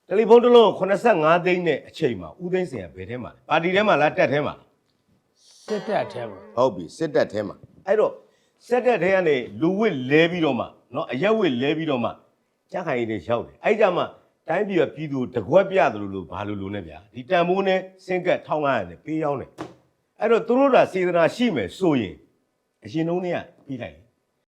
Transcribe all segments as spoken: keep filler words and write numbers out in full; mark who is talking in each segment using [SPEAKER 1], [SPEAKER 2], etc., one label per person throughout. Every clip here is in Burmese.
[SPEAKER 1] တယ်လီဖုန်းတစ်လုံးကိုeighty-fiveသိန်းနဲ့အချိန်မှာဦးသိန်းစင်ကဘယ်ထဲမှာလဲပါတီထဲမှာလားတက်ထဲမှာ
[SPEAKER 2] စစ်တပ်ထဲမှာ
[SPEAKER 1] ဟုတ်ပြီစစ်တက်ထဲမှာအဲ့တော့စစ်တက်ထဲကနေလူဝစ်လဲပြီးတော့မှเนาะအရက်ဝစ်လဲပြီးတော့မှကြားခိုင်ရည်တွေရောက်တယ်အဲ့ကြမှာတိုင်းပြည်ကပြည်သူတကွက်ပြတယ်လို့လို့ဘာလို့လို့နဲ့ဗျာဒီတန်မိုးနဲ့စင်ကတ်one thousand five hundredနဲ့ပေးရောက်တယ်အဲ့တော့သူတို့ကစေတနာရှိမယ်ဆိုရင်အရင်တုန်းကပြီးလိုက်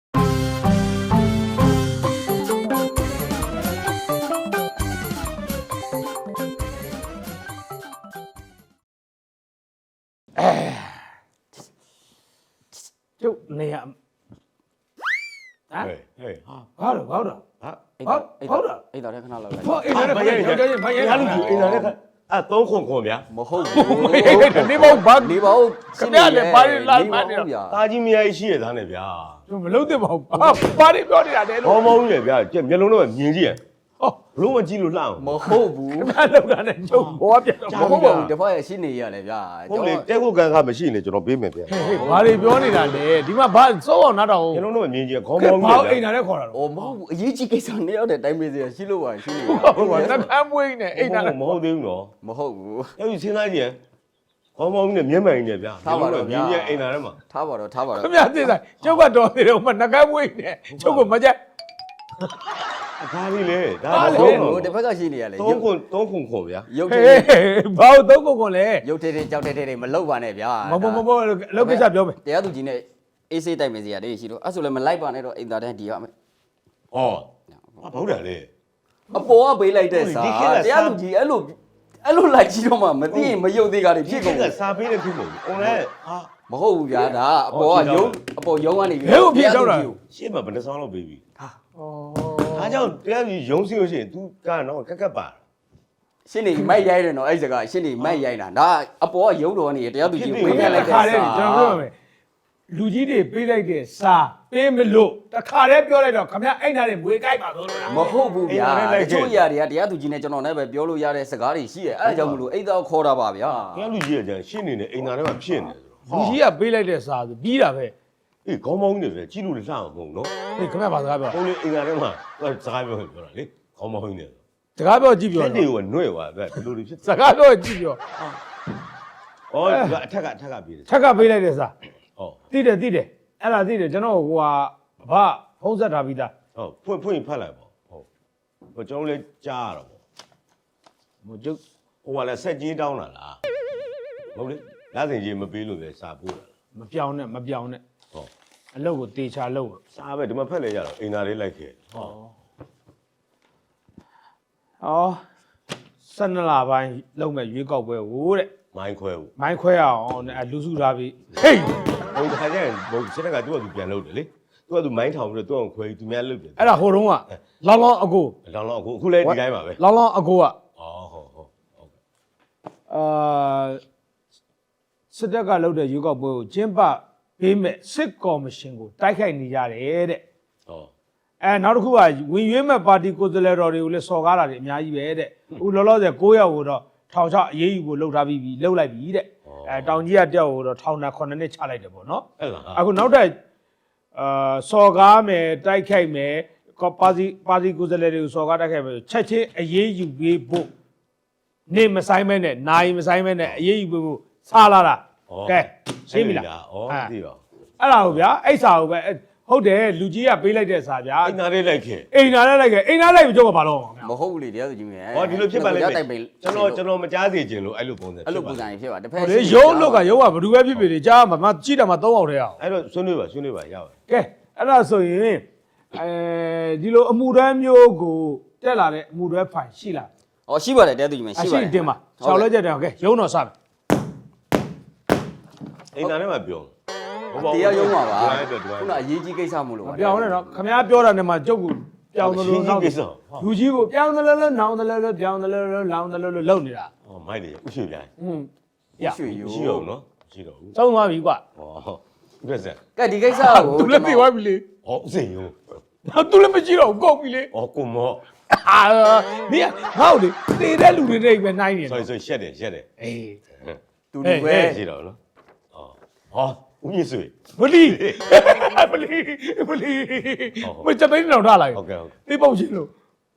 [SPEAKER 2] ကျုပ်နေရဟမ်
[SPEAKER 1] ဟဲ့ဟဲ့
[SPEAKER 2] ဘာလို့ဘာလို့
[SPEAKER 1] ဟာ
[SPEAKER 2] ဟုတ်ဟုတ်တယ်
[SPEAKER 3] အိတ်တော်ထဲခဏလောက်လိုက်
[SPEAKER 2] ဟောအိမ်ထဲမှာရောက်ကြရင်ဖိုင်ရဲ
[SPEAKER 1] ရလူကြီးအိမ်လာတဲ့အဲသုံးခွန်ခွန်ဗျာ
[SPEAKER 3] မဟုတ်ဘူး
[SPEAKER 2] နေပေါ့ဘာ
[SPEAKER 3] နေပါဦး
[SPEAKER 2] ခင်ဗျားလည်းဘာလို့လာမှန်းနေ
[SPEAKER 3] ဗျာ
[SPEAKER 1] တာကြီးမယားကြီးရှိရသားနဲ့ဗျာ
[SPEAKER 2] မလုံးသင့်ပါဘူးဘာဘာတွေပြောနေတာလဲလို့
[SPEAKER 1] ဘောမောင်းကြီးဗျာကြက်မျက်လုံးတော့မြင်ကြည့်ရ
[SPEAKER 2] ဟော
[SPEAKER 1] ဘလို့မကြည့်လို့လှအောင်
[SPEAKER 3] မဟုတ်ဘူး
[SPEAKER 2] ခင်ဗျားလောက်တာနဲ့ကျုပ်ဘောပြတ်တော့
[SPEAKER 3] မဟုတ်ပါဘူးတဖက်ရဲ့ရှင်းနေရလေဗျာ
[SPEAKER 1] ဟုတ်လေတဲခုကန်ခါမရှိရင်ကျွန်တော်ပေးမယ်ဗျာ
[SPEAKER 2] ဟေးဟေးဘာတွေပြောနေတာလဲဒီမှာဘာစိုးအောင်နားတော့
[SPEAKER 1] မျက်လုံးတော့မြင်ကြည့်ခေါင်း
[SPEAKER 2] ကဲ
[SPEAKER 1] မောင်း
[SPEAKER 2] ဘာ
[SPEAKER 1] ကြီး
[SPEAKER 2] အိမ်
[SPEAKER 1] ဗျာ
[SPEAKER 2] နာနဲ့ခေါ်တာ
[SPEAKER 3] ။အော်မဟုတ်ဘူးအရေးကြီးကိစ္စနှစ်ယောက်တည်းတိုင်းမေးစရာရှိလို့ပါရှိလို့
[SPEAKER 2] ဟုတ်ပါသကမ်းမွေးနေအိမ်နာနဲ့
[SPEAKER 1] မဟုတ်သေးဘူးနော်
[SPEAKER 3] မဟုတ်ဘူး
[SPEAKER 1] ကျောက်ကြီးစဉ်းစားကြည့်ရင်ခေါင်းမောင်းကြီးနဲ့မျက်မှန်ကြီးနဲ့ဗျာမြင်ကြည့်အိမ်လာထဲမှာ
[SPEAKER 3] ထားပါတော့ထားပါတော့
[SPEAKER 2] ခင်ဗျားသိစားကျုပ်ကတော့နေတော့မှနှကမ်းမွေးနေကျုပ်ကမကြက်
[SPEAKER 1] ဒါလေးလေဒါ
[SPEAKER 3] မ
[SPEAKER 1] တော့
[SPEAKER 3] ဟုတ်ဘူးတစ်ဖက်ကရှိနေရလေ
[SPEAKER 1] သုံးခွန်သုံးခွန်ခွန်ဗျာ
[SPEAKER 3] ရုပ်
[SPEAKER 2] ဟေး
[SPEAKER 3] ထဲ
[SPEAKER 2] ဘာလို့သုံးကုန်ကုန်လဲ
[SPEAKER 3] ရုပ်ထဲထဲကြောက်ထဲထဲမလောက်ပါနဲ့ဗျာ
[SPEAKER 2] မမမမလောက်ကိစ္စပြောမယ်
[SPEAKER 3] တရားသူကြီးနဲ့အေးဆေးတိုက်မယ်စရာလေးရှိတော့အဲ့ဆိုလည်းမလိုက်ပါနဲ့တော့အိမ်သားတန်းဒီရမယ်
[SPEAKER 1] ဟောဟုတ်တယ်လေ
[SPEAKER 3] အပေါ်ကပေးလိုက်တဲ့စာတရားသူကြီးအဲ့လိုအဲ့လိုလိုက်ကြည့်တော့မှမသိရင်မယုတ်သေးတာတွေဖြစ်ကုန်
[SPEAKER 1] ကစားပေးတဲ့ဖြစ်ကုန်ပြီအွန်လိုင်းဟာ
[SPEAKER 3] မဟုတ်ဘူးဗျာဒါအပေါ်ကရုံးအပေါ်ရုံးကနေ
[SPEAKER 2] ဘယ်ကိုပြေတော့တာ
[SPEAKER 1] ရှေ့မှာဘယ်နှဆောင်လောက်ပေးပြီ
[SPEAKER 3] ဟာ
[SPEAKER 2] ဩ
[SPEAKER 1] ဒါကြောင့်တရားကြီးရုံးစီလို့ရှိရင် तू ကတော့ကက်ကက်ပါ
[SPEAKER 3] ရှင်းနေမိုက်ရိုက်တယ်နော်အဲ့စကားရှင်းနေမိုက်ရိုက်တာဒါအပေါ်ကရုံးတော်နေတရားသူကြီးဝင်ခဲ့လိုက်တဲ့
[SPEAKER 2] ခါ
[SPEAKER 3] စာ
[SPEAKER 2] တယ်ကျွန်တော်ပြောမယ်လူကြီးတွေပေးလိုက်တဲ့စာပေးမလို့တခါတည်းပြောလိုက်တော့ခမအိမ်သားတွေမွေးကြိုက်ပါသောလို့လား
[SPEAKER 3] မဟုတ်ဘူးဗျာတချို့ຢာတွေကတရားသူကြီးနဲ့ကျွန်တော်နဲ့ပဲပြောလို့ရတဲ့စကားတွေရှိတယ်အဲ့ဒါကြောင့်မလို့အိတ်သားခေါ်တာပါဗျာ
[SPEAKER 1] တရားလူကြီးကကြာရှင်းနေတယ်အိမ်သားထဲမှာဖြစ်နေတယ်
[SPEAKER 2] လူကြီးကပေးလိုက်တဲ့စာဆိုပြီးတာပဲ
[SPEAKER 1] အေးခေါင်းမောင်းကြီးတွေပဲကြီးလို့လှအောင်မဟုတ်နော်
[SPEAKER 2] ဒီခမဘာစကားပြော
[SPEAKER 1] ဟိုလေအိမ်သားထဲမှာစကားပြောပြောတာလေခေါင်းမောင်းကြီးတွေ
[SPEAKER 2] စကားပြောကြည့်ပြော
[SPEAKER 1] လက်တွေကနှွဲ့သွားတယ်ဘယ်လိုတွေဖြစ်
[SPEAKER 2] စကားပြောကြည့်ပြော
[SPEAKER 1] ဩအထက်ကအထက်ကပြေးတယ်
[SPEAKER 2] ချက်ကပေးလိုက်တဲ့စာ
[SPEAKER 1] ဟော
[SPEAKER 2] သိတယ်သိတယ်အဲ့ဒါသိတယ်ကျွန်တော်ဟိုဟာဘာဖုံးဆက်ထားပြီးသား
[SPEAKER 1] ဟုတ်ဖွင့်ဖွင့်ဖတ်လိုက်ပေါ့ဟုတ်ဟိုကျွန်တော်လည်းကြားရတော့ပေါ့
[SPEAKER 2] ဟိုကျုပ်
[SPEAKER 1] ဟိုကလည်းဆက်ကြီးတောင်းတာလားဟုတ်လေလက်စင်ကြီးမပေးလို့ပဲစာပို့တာ
[SPEAKER 2] မပြောင်းနဲ့မပြောင်းနဲ့
[SPEAKER 1] ဟုတ်
[SPEAKER 2] အလုပ်ကိုတေချာလုပ်
[SPEAKER 1] စာပဲဒီမှာဖက်လဲရတော့အိမ်သားလေးလိုက်ခဲ့ဟော
[SPEAKER 2] ဩဆယ်နှစ်လပိုင်းလုပ်မဲ့ရွေးကောက်ပွဲဟိုတဲ့
[SPEAKER 1] မိုင်းခွဲဘူး
[SPEAKER 2] မိုင်းခွဲအောင်နဲ့လူစုထားပြီးဟေး
[SPEAKER 1] ဟိုတခါကျရင်ဟိုစစ်တပ်ကသူ့ကသူပြန်လုပ်တယ်လေသူကသူမိုင်းထောင်ပြီးတော့သူ့အောင်ခွဲပြီးသူများလုပ်တယ်
[SPEAKER 2] အဲ့ဒါဟိုတုန်းကလောင်းလောင်းအကို
[SPEAKER 1] လောင်လောင်အခုအခုလည်းဒီတိုင်းပါပဲ
[SPEAKER 2] လောင်းလောင်းအကိုက
[SPEAKER 1] ဩဟုတ်ဟုတ်ဟုတ်ကဲ့
[SPEAKER 2] အာစစ်တပ်ကလုပ်တဲ့ရွေးကောက်ပွဲကိုကျင်းပပေးမဲ့စစ်ကော်မရှင်ကိုတိုက်ခိုက်နေကြတယ်တဲ့
[SPEAKER 1] ဟော
[SPEAKER 2] အဲနောက်တစ်ခုကဝင်ရွေးမဲ့ပါတီကိုယ်စားလှယ်တော်တွေကိုလည်းစော်ကားတာတွေအများကြီးပဲတဲ့အခုလောလောဆယ်၉ယောက်ကိုတော့ထောင်ချအရေးယူဖို့လှုပ်ထားပြီးပြီလှုပ်လိုက်ပြီတဲ့အဲတောင်ကြီးကတယောက်ကိုတော့ထောင်နဲ့ခုနှစ်နှစ်ချလိုက်တယ်ပေါ့နော်
[SPEAKER 1] အဲ့လား
[SPEAKER 2] အခုနောက်တဲ့အာစော်ကားမယ်တိုက်ခိုက်မယ်ပါစီပါစီကိုယ်စားလှယ်တွေကိုစော်ကားတိုက်ခိုက်မယ်ချက်ချင်းအရေးယူပေးဖို့နေမဆိုင်မဲနဲ့နိုင်မဆိုင်မဲနဲ့အရေးယူပေးဖို့စားလာတာကဲရှင်းပြီလား
[SPEAKER 1] ဩသိပါ
[SPEAKER 2] အဲ့ဒါကိုဗျာအဲ့စာကိုပဲဟုတ်တယ်လူကြီးကပေးလိုက်တဲ့စာဗျာ
[SPEAKER 1] အိမ်သားလေးလိုက်ခဲ့
[SPEAKER 2] အိမ်နာနဲ့လိုက်ခဲ့အိမ်နာလိုက်ပြီးကြောက်ပါတော့ဗျာ
[SPEAKER 3] မဟုတ်ဘူးလေတရားသူကြီးမြန်
[SPEAKER 1] ဟောဒီလိုဖြစ်ပါလိမ့်မယ်
[SPEAKER 3] တိုက်ပိတ်
[SPEAKER 1] ကျွန်တော်ကျွန်တော်မကြားစေချင်လို့အဲ့လိုပုံစံ
[SPEAKER 3] အဲ့လိုပုံစံကြီးဖြစ်ပါတစ်ဖက်
[SPEAKER 2] လေရုံးလောက်ကရုံးကဘယ်သူပဲဖြစ်ဖြစ်လေကြားမှာမကြည့်တာမှသုံးအောင်တည်းအောင်
[SPEAKER 1] အဲ့တော့ဆွေးနွေးပါဆွေးနွေးပါရပါ
[SPEAKER 2] ကဲအဲ့ဒါဆိုရင်အဲဒီလိုအမှုတန်းမျိုးကိုတက်လာတဲ့အမှုတွေဖိုင်ရှိလား
[SPEAKER 3] ဟောရှိပါတယ်တရားသူကြီးမြန်
[SPEAKER 2] အ
[SPEAKER 3] ရှိ
[SPEAKER 2] ရှိ
[SPEAKER 3] ပါတယ်
[SPEAKER 2] တင်ပါ၆လဲချက်တယ်ကဲရုံးတော်စမယ်
[SPEAKER 1] အိမ်သားထဲမှာပြော
[SPEAKER 3] တရားရုံးပါပါ
[SPEAKER 1] ဒီတိုင်းတော့ဒီတိုင်း
[SPEAKER 3] ခုနအရေးကြီးကိစ္စမို့လို့
[SPEAKER 2] မပြောင်းနဲ့တော့ခမ ्या ပြောတာနဲ့မှကျုပ်ကပြောင်းသလိုနောက်လူကြီးကိုပြောင်းသလိုလိုနောင်သလိုလိုပြောင်းသလိုလိုလောင်သလိုလိုလုပ်နေတာ
[SPEAKER 1] ဟောမိုက်တယ်ဥရှိပြန်
[SPEAKER 2] ဟွန်း
[SPEAKER 3] ရရွှေယူ
[SPEAKER 1] ရှိတော့နော်ရှိတော့ဘူး
[SPEAKER 2] သုံးသွားပြီကွာ
[SPEAKER 1] ဟောဥပ္ပဇံ
[SPEAKER 3] ကဲဒီကိစ္စကို
[SPEAKER 2] သူလည်းပြေသွားပြီလေ
[SPEAKER 1] ဟောဥစဉ်ယုံ
[SPEAKER 2] သူလည်းမကြည့်တော့ကုန်ပြီလေ
[SPEAKER 1] ဟောကုမော
[SPEAKER 2] အာနေငါ့ကိုလေတည်တဲ့လူတွေတွေပဲနိုင်နေ
[SPEAKER 1] ဆို
[SPEAKER 2] တယ်
[SPEAKER 1] ဆိုရှက်တယ်ရှက်တယ်
[SPEAKER 2] အေး
[SPEAKER 3] တူတူပဲ
[SPEAKER 1] ရှိတော့နော်ဟောဟောဦးမြင့်ဆွေ
[SPEAKER 2] ဘလီဘလီဘလီမကြတဲ့တော့ထားလိုက်
[SPEAKER 1] ဟုတ်ကဲ့ဟုတ်
[SPEAKER 2] သိပေါ့ချင်းလို့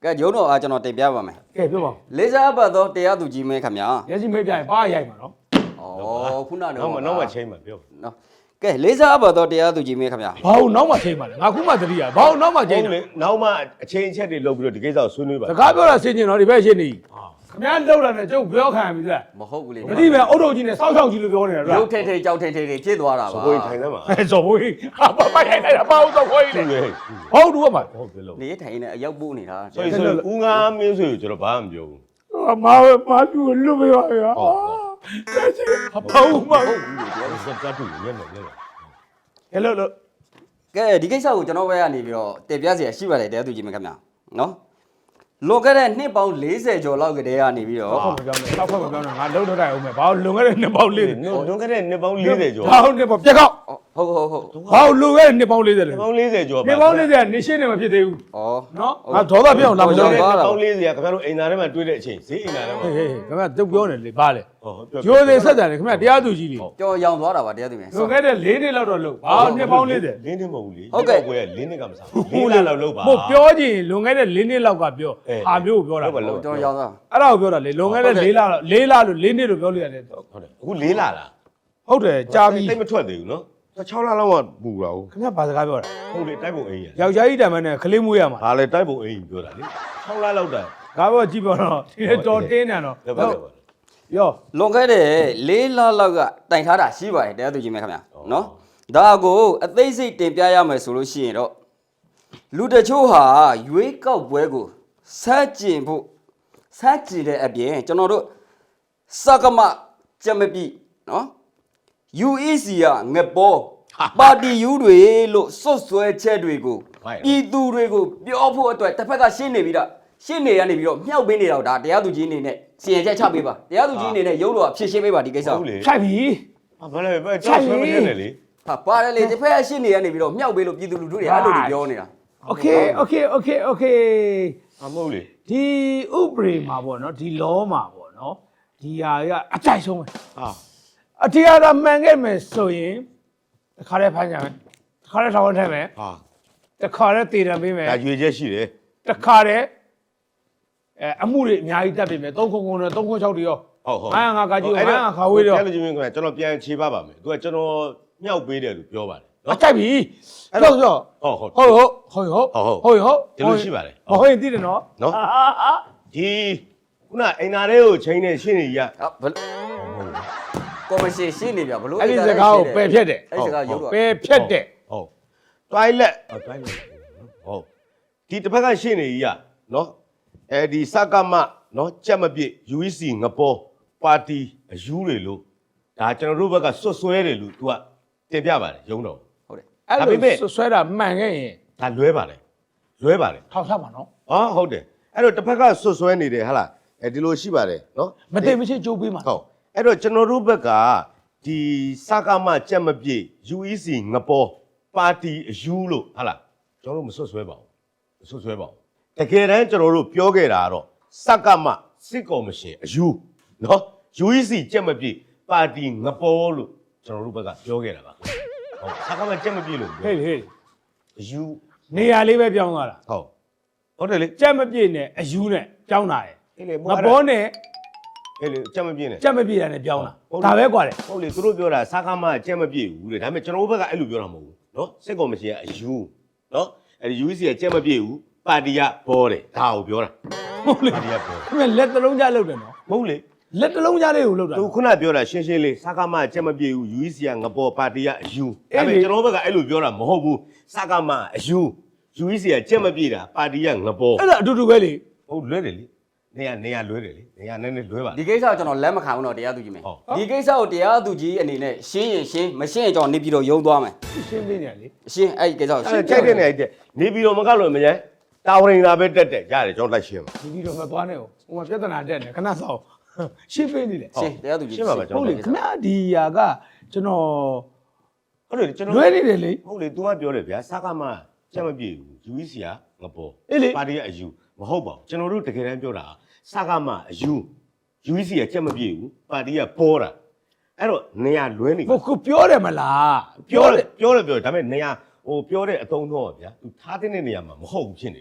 [SPEAKER 3] ကဲရုံးတော်အားကျွန်တော်တင်ပြပါမယ်
[SPEAKER 2] ကဲပြောပါဦး
[SPEAKER 3] လေးစားပတ်သောတရားသူကြီးမင်းခင်ဗျာ
[SPEAKER 2] မျက်စိမိတ်ပြရင်ဘာရိုက်မှာနော်
[SPEAKER 3] ဩခုနက
[SPEAKER 1] နောက်မှနောက်မှချိန်မှာပြော
[SPEAKER 3] နော်ကဲလေးစားပတ်သောတရားသူကြီးမင်းခင်ဗျာ
[SPEAKER 2] ဘာလို့နောက်မှချိန်ပါလဲငါခုမှတတိယဘာလို့နောက်မှချိန်
[SPEAKER 1] ဟုတ်
[SPEAKER 2] လဲ
[SPEAKER 1] လေနောက်မှအချိန်အချက်တွေလုပ်ပြီးတော့ဒီကိစ္စကိုဆွေးနွေးပါ
[SPEAKER 2] စကားပြောတာဆင်ကျင်တော့ဒီဘက်ရှင်းနေခင်ဗျားလောက်တာနဲ့ကျုပ်ပြောခံပြီလား
[SPEAKER 3] မဟုတ်ဘူးလေ
[SPEAKER 2] မတိပဲအုတ်ထုတ်ကြီးနဲ့စောက်ချောက်ကြီးလို့ပြောနေတာဗျာ
[SPEAKER 3] ရုပ်ထိတ်ထိတ်ကြောက်ထိတ်ထိတ်ဖြစ်သွားတာပါ
[SPEAKER 1] ကိုယ်ထိုင်သမ်းပါ
[SPEAKER 2] အဲဇော်ဘွေးဟာဘာပိုက်ရိုက်လိုက်တာဘာလို့တော့ခွေး
[SPEAKER 1] သူ
[SPEAKER 2] လဲ
[SPEAKER 1] လေ
[SPEAKER 2] ဟုတ်တူပါ
[SPEAKER 1] ဟုတ်ပြီလို့
[SPEAKER 3] နေထိုင်နေအရောက်ပို့နေတာ
[SPEAKER 1] ဆိုဆိုဦးငါမင်းဆိုကျွန်တော်ဘာမှမပြောဘူး
[SPEAKER 2] မာမာတူလွတ်ပြပါဗျာလက်ချင်ဘာလို့မ
[SPEAKER 3] ဟုတ်ဘူးလေတရားသူ
[SPEAKER 1] စက်တက်တူညံ့နေတယ်
[SPEAKER 2] ဟဲ့လို့လို့
[SPEAKER 3] ကဲဒီကိစ္စကိုကျွန်တော်ဘက်ကနေပြီးတော့တင်ပြเสียရှိပါတယ်တရားသူကြီးမင်းခင်ဗျာနော်လွန်ခဲ့တဲ့နှစ်ပေါင်း၄၀ကျော်လောက်ကတည်းကနေပြီးတော့
[SPEAKER 2] ဟုတ်ကဲ့ပြောင်းတယ်တောက်ခွက်မပြောင်းတော့ငါလုံးတော့တိုင်အောင်မယ်ဘာလို့လွန်ခဲ့တဲ့နှစ်ပေါင်းလေး
[SPEAKER 1] လွန်ခဲ့တဲ့နှစ်ပေါင်း၄၀ကျော်
[SPEAKER 2] ဘာလို့နှစ်ပေါင်းပြက်ကောက်
[SPEAKER 3] ဟုတ်ဟုတ်ဟုတ်
[SPEAKER 2] ဘာလို့လွန်ခဲ့တဲ့နှစ်ပေါင်းလေးလဲ
[SPEAKER 1] နှစ်ပေါင်း၄၀ကျော်
[SPEAKER 2] နှစ်ပေါင်းလေးကနေရှင်းနေမဖြစ်သေးဘူး
[SPEAKER 3] ဩ
[SPEAKER 2] နော်ငါဒေါသပြောင်းလာမ
[SPEAKER 1] နှစ်
[SPEAKER 2] လို့
[SPEAKER 1] ပေါင်း၄၀ခင်ဗျားတို့အိမ်သားထဲမှာတွေ့တဲ့အချိန်ဈေးအိမ်သားထဲမှာ
[SPEAKER 2] ဟေးဟေးခင်ဗျာတုတ်ပြောနေလေဘာလဲ
[SPEAKER 1] ဟုတ်ပြော
[SPEAKER 2] ဂျိုးသေးဆက်တယ်ခင်ဗျာတရားသူကြီးလေ
[SPEAKER 3] ကြော်ရောင်သွားတာပါတရားသူကြီး
[SPEAKER 2] လွန်ခဲ့တဲ့၄နှစ်လောက်တော့လို့ဘာနှစ်ပေါင်းလေးတယ်
[SPEAKER 1] လင်းနေမဟုတ်ဘူးလေ
[SPEAKER 3] ဟုတ်ကဲ့
[SPEAKER 1] ကိုယ်ကလင်းနေကမစားဘူးလင်းလာလောက်လောက်ပါ
[SPEAKER 2] မဟုတ်ပြောကြည့်လွန်ခဲ့တဲ့၄နှစ်လောက်ကပြောအာမျိုးကိုပြောတာ
[SPEAKER 1] ဟုတ်ပါလို့
[SPEAKER 3] ကြော်ရောင်သွား
[SPEAKER 2] အဲ့ဒါကိုပြောတာလေလွန်ခဲ့တဲ့၄လလောက်၄လလို့၄နှစ်လို့ပြောလို့ရတယ်
[SPEAKER 1] ဟုတ်တယ်အခုလေးလာလား
[SPEAKER 2] ဟုတ်တယ်ကြာပြီ
[SPEAKER 1] တိတ်မထွက်သေးဘူးနော်၆လလောက်မှပူတာဟုတ်
[SPEAKER 2] ခင်ဗျာဘာစကားပြောတာ
[SPEAKER 1] ဟုတ်လေတိုက်ပုံအိမ်ရ
[SPEAKER 2] ယောက်ျားကြီးတံမန်းနဲ့ကလေးမွေးရမှာ
[SPEAKER 1] ဘာလဲတိုက်ပုံအိမ်ပြောတာလေ၆လလောက်တာ
[SPEAKER 2] ကားဘောကြည့်ပြောတော့ဒီတော်တင်းနေတော့
[SPEAKER 1] ဟုတ်ပါဟုတ်ပါ
[SPEAKER 2] ရော
[SPEAKER 3] လွန်ခဲ့တဲ့၄လလောက်ကတိုင်ထားတာရှိပါတယ်တရားသူကြီးမင်းခင်ဗျာနော်ဒါကိုအသေးစိတ်တင်ပြရမယ်ဆိုလို့ရှိရင်တော့လူတချို့ဟာရွေးကောက်ပွဲကိုစက်ကျင်ဖို့စက်ကျင်တဲ့အပြင်ကျွန်တော်တို့စကမကြက်မပြီနော် ယူ အီ စီ ကငပေါ်ပါတီယူတွေလို့စွတ်စွဲချက်တွေကိုပြည်သူတွေကိုပြောဖို့အတွက်တစ်ဖက်ကရှင်းနေပြီးတော့ရှင်းနေရနေပြီးတော့မြောက်ပေးနေတော့ဒါတရားသူကြီးအနေနဲ့စီရင်ချက်ချပေးပါတရားသူကြီးအနေနဲ့ရုပ်တော်ဖြည့်ရှင်းပေးပါဒီကိစ္စ
[SPEAKER 1] ဟုတ်လေ
[SPEAKER 2] ဖြတ်ပြီ
[SPEAKER 1] ဘာလဲပဲကြောက်ဆွဲမနေနဲ့လေ
[SPEAKER 3] ဟာပါတယ်လေတစ်ဖက်ကရှင်းနေရနေပြီးတော့မြောက်ပေးလို့ပြည်သူလူထုတွေအဲ့လိုတွေပြောနေတာ
[SPEAKER 2] โอเคโอเคโอเคโอเค
[SPEAKER 1] အမဟုတ်လေ
[SPEAKER 2] ဒီဥပဒေမှာပေါ့နော်ဒီလောမှာပေါ့နော်ဒီဟာကအကြိုက်ဆုံးပဲ
[SPEAKER 1] ဟာ
[SPEAKER 2] အတရားတော်မှန်ခဲ့မယ်ဆိုရင်တစ်ခါတည်းဖမ်းကြမယ်တစ်ခါတည်းထောင်ထဲမယ်
[SPEAKER 1] ဟာ
[SPEAKER 2] တစ်ခါတည်းတည်တယ်ပေးမယ်
[SPEAKER 1] ဒါရွေချက်ရှိတယ်
[SPEAKER 2] တစ်ခါတည်းအဲအမှုတွေအများကြီးတက်ပြီမယ်၃ခုခုနဲ့၃ခု၆တွေရော
[SPEAKER 1] ဟုတ်ဟုတ်
[SPEAKER 2] ငါငါကကြီးငါငါခါဝေးတော့
[SPEAKER 1] အဲ့လိုချင်းကကျွန်တော်ပြန်ခြေပါပါမယ်သူကကျွန်တော်မြောက်ပေးတယ်လို့ပြောပါတယ်
[SPEAKER 2] အကြိုက်ပြီအဲ့တော့ဆို
[SPEAKER 1] ဟုတ်ဟုတ်
[SPEAKER 2] ဟုတ်ဟုတ်ဟုတ်ဟုတ်ဟုတ်ဟုတ်
[SPEAKER 1] ဒီလိုရှိပါတယ်
[SPEAKER 2] ဟုတ်ရင်တည်တယ်နော်
[SPEAKER 1] နော်
[SPEAKER 2] ဟာဟာ
[SPEAKER 1] ဒီခုနအိမ်သားလေးကိုချိန်နေရှင်းနေရ
[SPEAKER 3] ဟာဘယ်ကော်မရှင်ရှင်းနေပြဘလို့
[SPEAKER 2] အဲ့ဒီစကားကိုပယ်ဖြတ်တယ်
[SPEAKER 3] အဲ့ဒီစကားရုပ်တော်
[SPEAKER 2] ပယ်ဖြတ်တယ်
[SPEAKER 1] ဟုတ် toilet toilet ဟုတ်ဒီတစ်ဖက်ကရှင်းနေရနော်အဲဒီစကမနော်ကြက်မပြည့် ယူ အီ စီ ငပေါ်ပါတီအယူတွေလို့ဒါကျွန်တော်တို့ဘက်ကစွတ်စွဲတယ်လို့ तू ကတင်ပြပါတယ်ရုံးတော်
[SPEAKER 3] ဟုတ်တယ်
[SPEAKER 2] အဲ့
[SPEAKER 1] ဒါပေမဲ့
[SPEAKER 2] လိုဆွဲတာမှန်ခဲ့ရင်
[SPEAKER 1] ဒါလွဲပါတယ်လွဲပါတယ်
[SPEAKER 2] ထောက်ထားပါနော်
[SPEAKER 1] အော်ဟုတ်တယ်အဲ့တော့တစ်ဖက်ကစွတ်စွဲနေတယ်ဟာလားအဲဒီလိုရှိပါတယ်နော်
[SPEAKER 2] မတိတ်မရှိကြိုးပေးမှာ
[SPEAKER 1] ဟုတ်အဲ့တော့ကျွန်တော်တို့ဘက်ကဒီစကားမကြက်မပြည့် ယူ အီ စီ ငပေါ်ပါတီအယူလို့ဟာလားကျွန်တော်တို့မစွတ်စွဲပါဘူးမစွတ်စွဲပါဘူးတကယ်တမ်းကျွန်တော်တို့ပြောခဲ့တာကတော့စကားမစစ်ကော်မရှင်အယူနော် ယူ အီ စီ ကြက်မပြည့်ပါတီငပေါ်လို့ကျွန်တော်တို့ဘက်ကပြောခဲ့တာပါဟုတ်စကားမကြက်မပြည့်လို့ပြော
[SPEAKER 2] ဟေးဟေး
[SPEAKER 1] အယူ
[SPEAKER 2] နေရာလေးပဲပြောင်းသွားတာ
[SPEAKER 1] ဟုတ်ဟုတ်တယ်လေ
[SPEAKER 2] ကြက်မပြည့်နဲ့အယူနဲ့ပြောင်းတာရယ်
[SPEAKER 1] အေးလေ
[SPEAKER 2] ငဘောနဲ့
[SPEAKER 1] အေးလေကြက်မပြည့်နဲ့
[SPEAKER 2] ကြက်မပြည့်တာနဲ့ပြောင်းတာဒါပဲกว่าတယ်
[SPEAKER 1] ဟုတ်လေသူတို့ပြောတာစကားမကြက်မပြည့်ဘူးလေဒါပေမဲ့ကျွန်တော်တို့ဘက်ကအဲ့လိုပြောတာမဟုတ်ဘူးเนาะစစ်ကော်မရှင်ကအယူเนาะအဲ့ဒီ ယူ အီ စီ ကကြက်မပြည့်ဘူးပါတီကဘောတယ်ဒါကိုပြောတာ
[SPEAKER 2] ဟုတ်လေ
[SPEAKER 1] ပါတီကဘော
[SPEAKER 2] ခင်ဗျလက်တစ်လုံးကြားလုပ်တယ်နော်
[SPEAKER 1] မဟုတ်လေ
[SPEAKER 2] လက်တစ်လုံးကြားလေးကိုလုပ်တာ
[SPEAKER 1] သူခုနပြောတာရှင်းရှင်းလေးစကားမကြက်မပြည့်ဘူး ယူ အီ စီ ကငပေါ်ပါတီကအယူဒါပေမဲ့ကျွန်တော်တို့ဘက်ကအဲ့လိုပြောတာမဟုတ်ဘူးစကားမအယူ ယူ အီ စီ ကကြက်မပြည့်တာပါတီကငပေါ်
[SPEAKER 2] အဲ့ဒါအတူတူပဲလေ
[SPEAKER 1] ဟုတ်လွဲတယ်လေနေရနေရလွဲတယ်လေနေရနည်းနည်းလွဲပါ
[SPEAKER 3] ဒီကိစ္စကိုကျွန်တော်လက်မခံဘူးတော့တရားသူကြီးမင်း
[SPEAKER 1] ဟုတ်
[SPEAKER 3] ဒီကိစ္စကိုတရားသူကြီးအနေနဲ့ရှင်းရင်ရှင်းမရှင်းရင်ကျွန်တော်နေပြီးတော့ယုံသွားမယ်
[SPEAKER 2] ရှင်းပေးနေရလေ
[SPEAKER 3] ရှင်းအဲ့ဒီကိစ္စကိုရှ
[SPEAKER 1] အဲ့
[SPEAKER 3] င်း
[SPEAKER 1] ကြိုက်တဲ့နေရာကြီးနေပြီးတော့မကလို့မညာတာဝရင်လာပဲတက်တယ်ရတယ်ကျွန်တော်လိုက်ရှင်းပါ
[SPEAKER 2] ဒီပြီးတော့မသွားနဲ့ဟိုဟိုမှာပြဿနာတက်နေခဏစောင့်ရှင်းပေးနေတယ်
[SPEAKER 3] ရှင်းတရားသူကြီး
[SPEAKER 1] ရှင်းပါပါကျွန်
[SPEAKER 2] ဟုတ်
[SPEAKER 1] တော်
[SPEAKER 2] လေခင်ဗျာဒီဟာကကျွန်တော်
[SPEAKER 1] ဟုတ်တယ်ကျွန်တော်
[SPEAKER 2] လွဲနေတယ်လေ
[SPEAKER 1] ဟုတ်လေ तू ကပြောတယ်ဗျာစကားမှကြက်မပြေဘူး ယူ အီ စီ ကငပေါ်
[SPEAKER 2] အေးလေ
[SPEAKER 1] ပါတီကအယူမဟုတ်ပါဘူးကျွန်တော်တို့တကယ်တမ်းပြောတာစကားမှအယူ ယူ အီ စီ ကကြက်မပြေဘူးပါတီကပေါ်တာအဲ့တော့နေရလွဲနေ
[SPEAKER 2] ဟိုကိုပြောတယ်မလား
[SPEAKER 1] ပြောတယ်ပြောတယ်ပြောတယ်ဒါပေမဲ့နေရဟိုပြောတဲ့အတုံးတော့ဗျာ तू ထားတဲ့နေရာမှာမဟုတ်ဘူးဖြစ်နေတယ်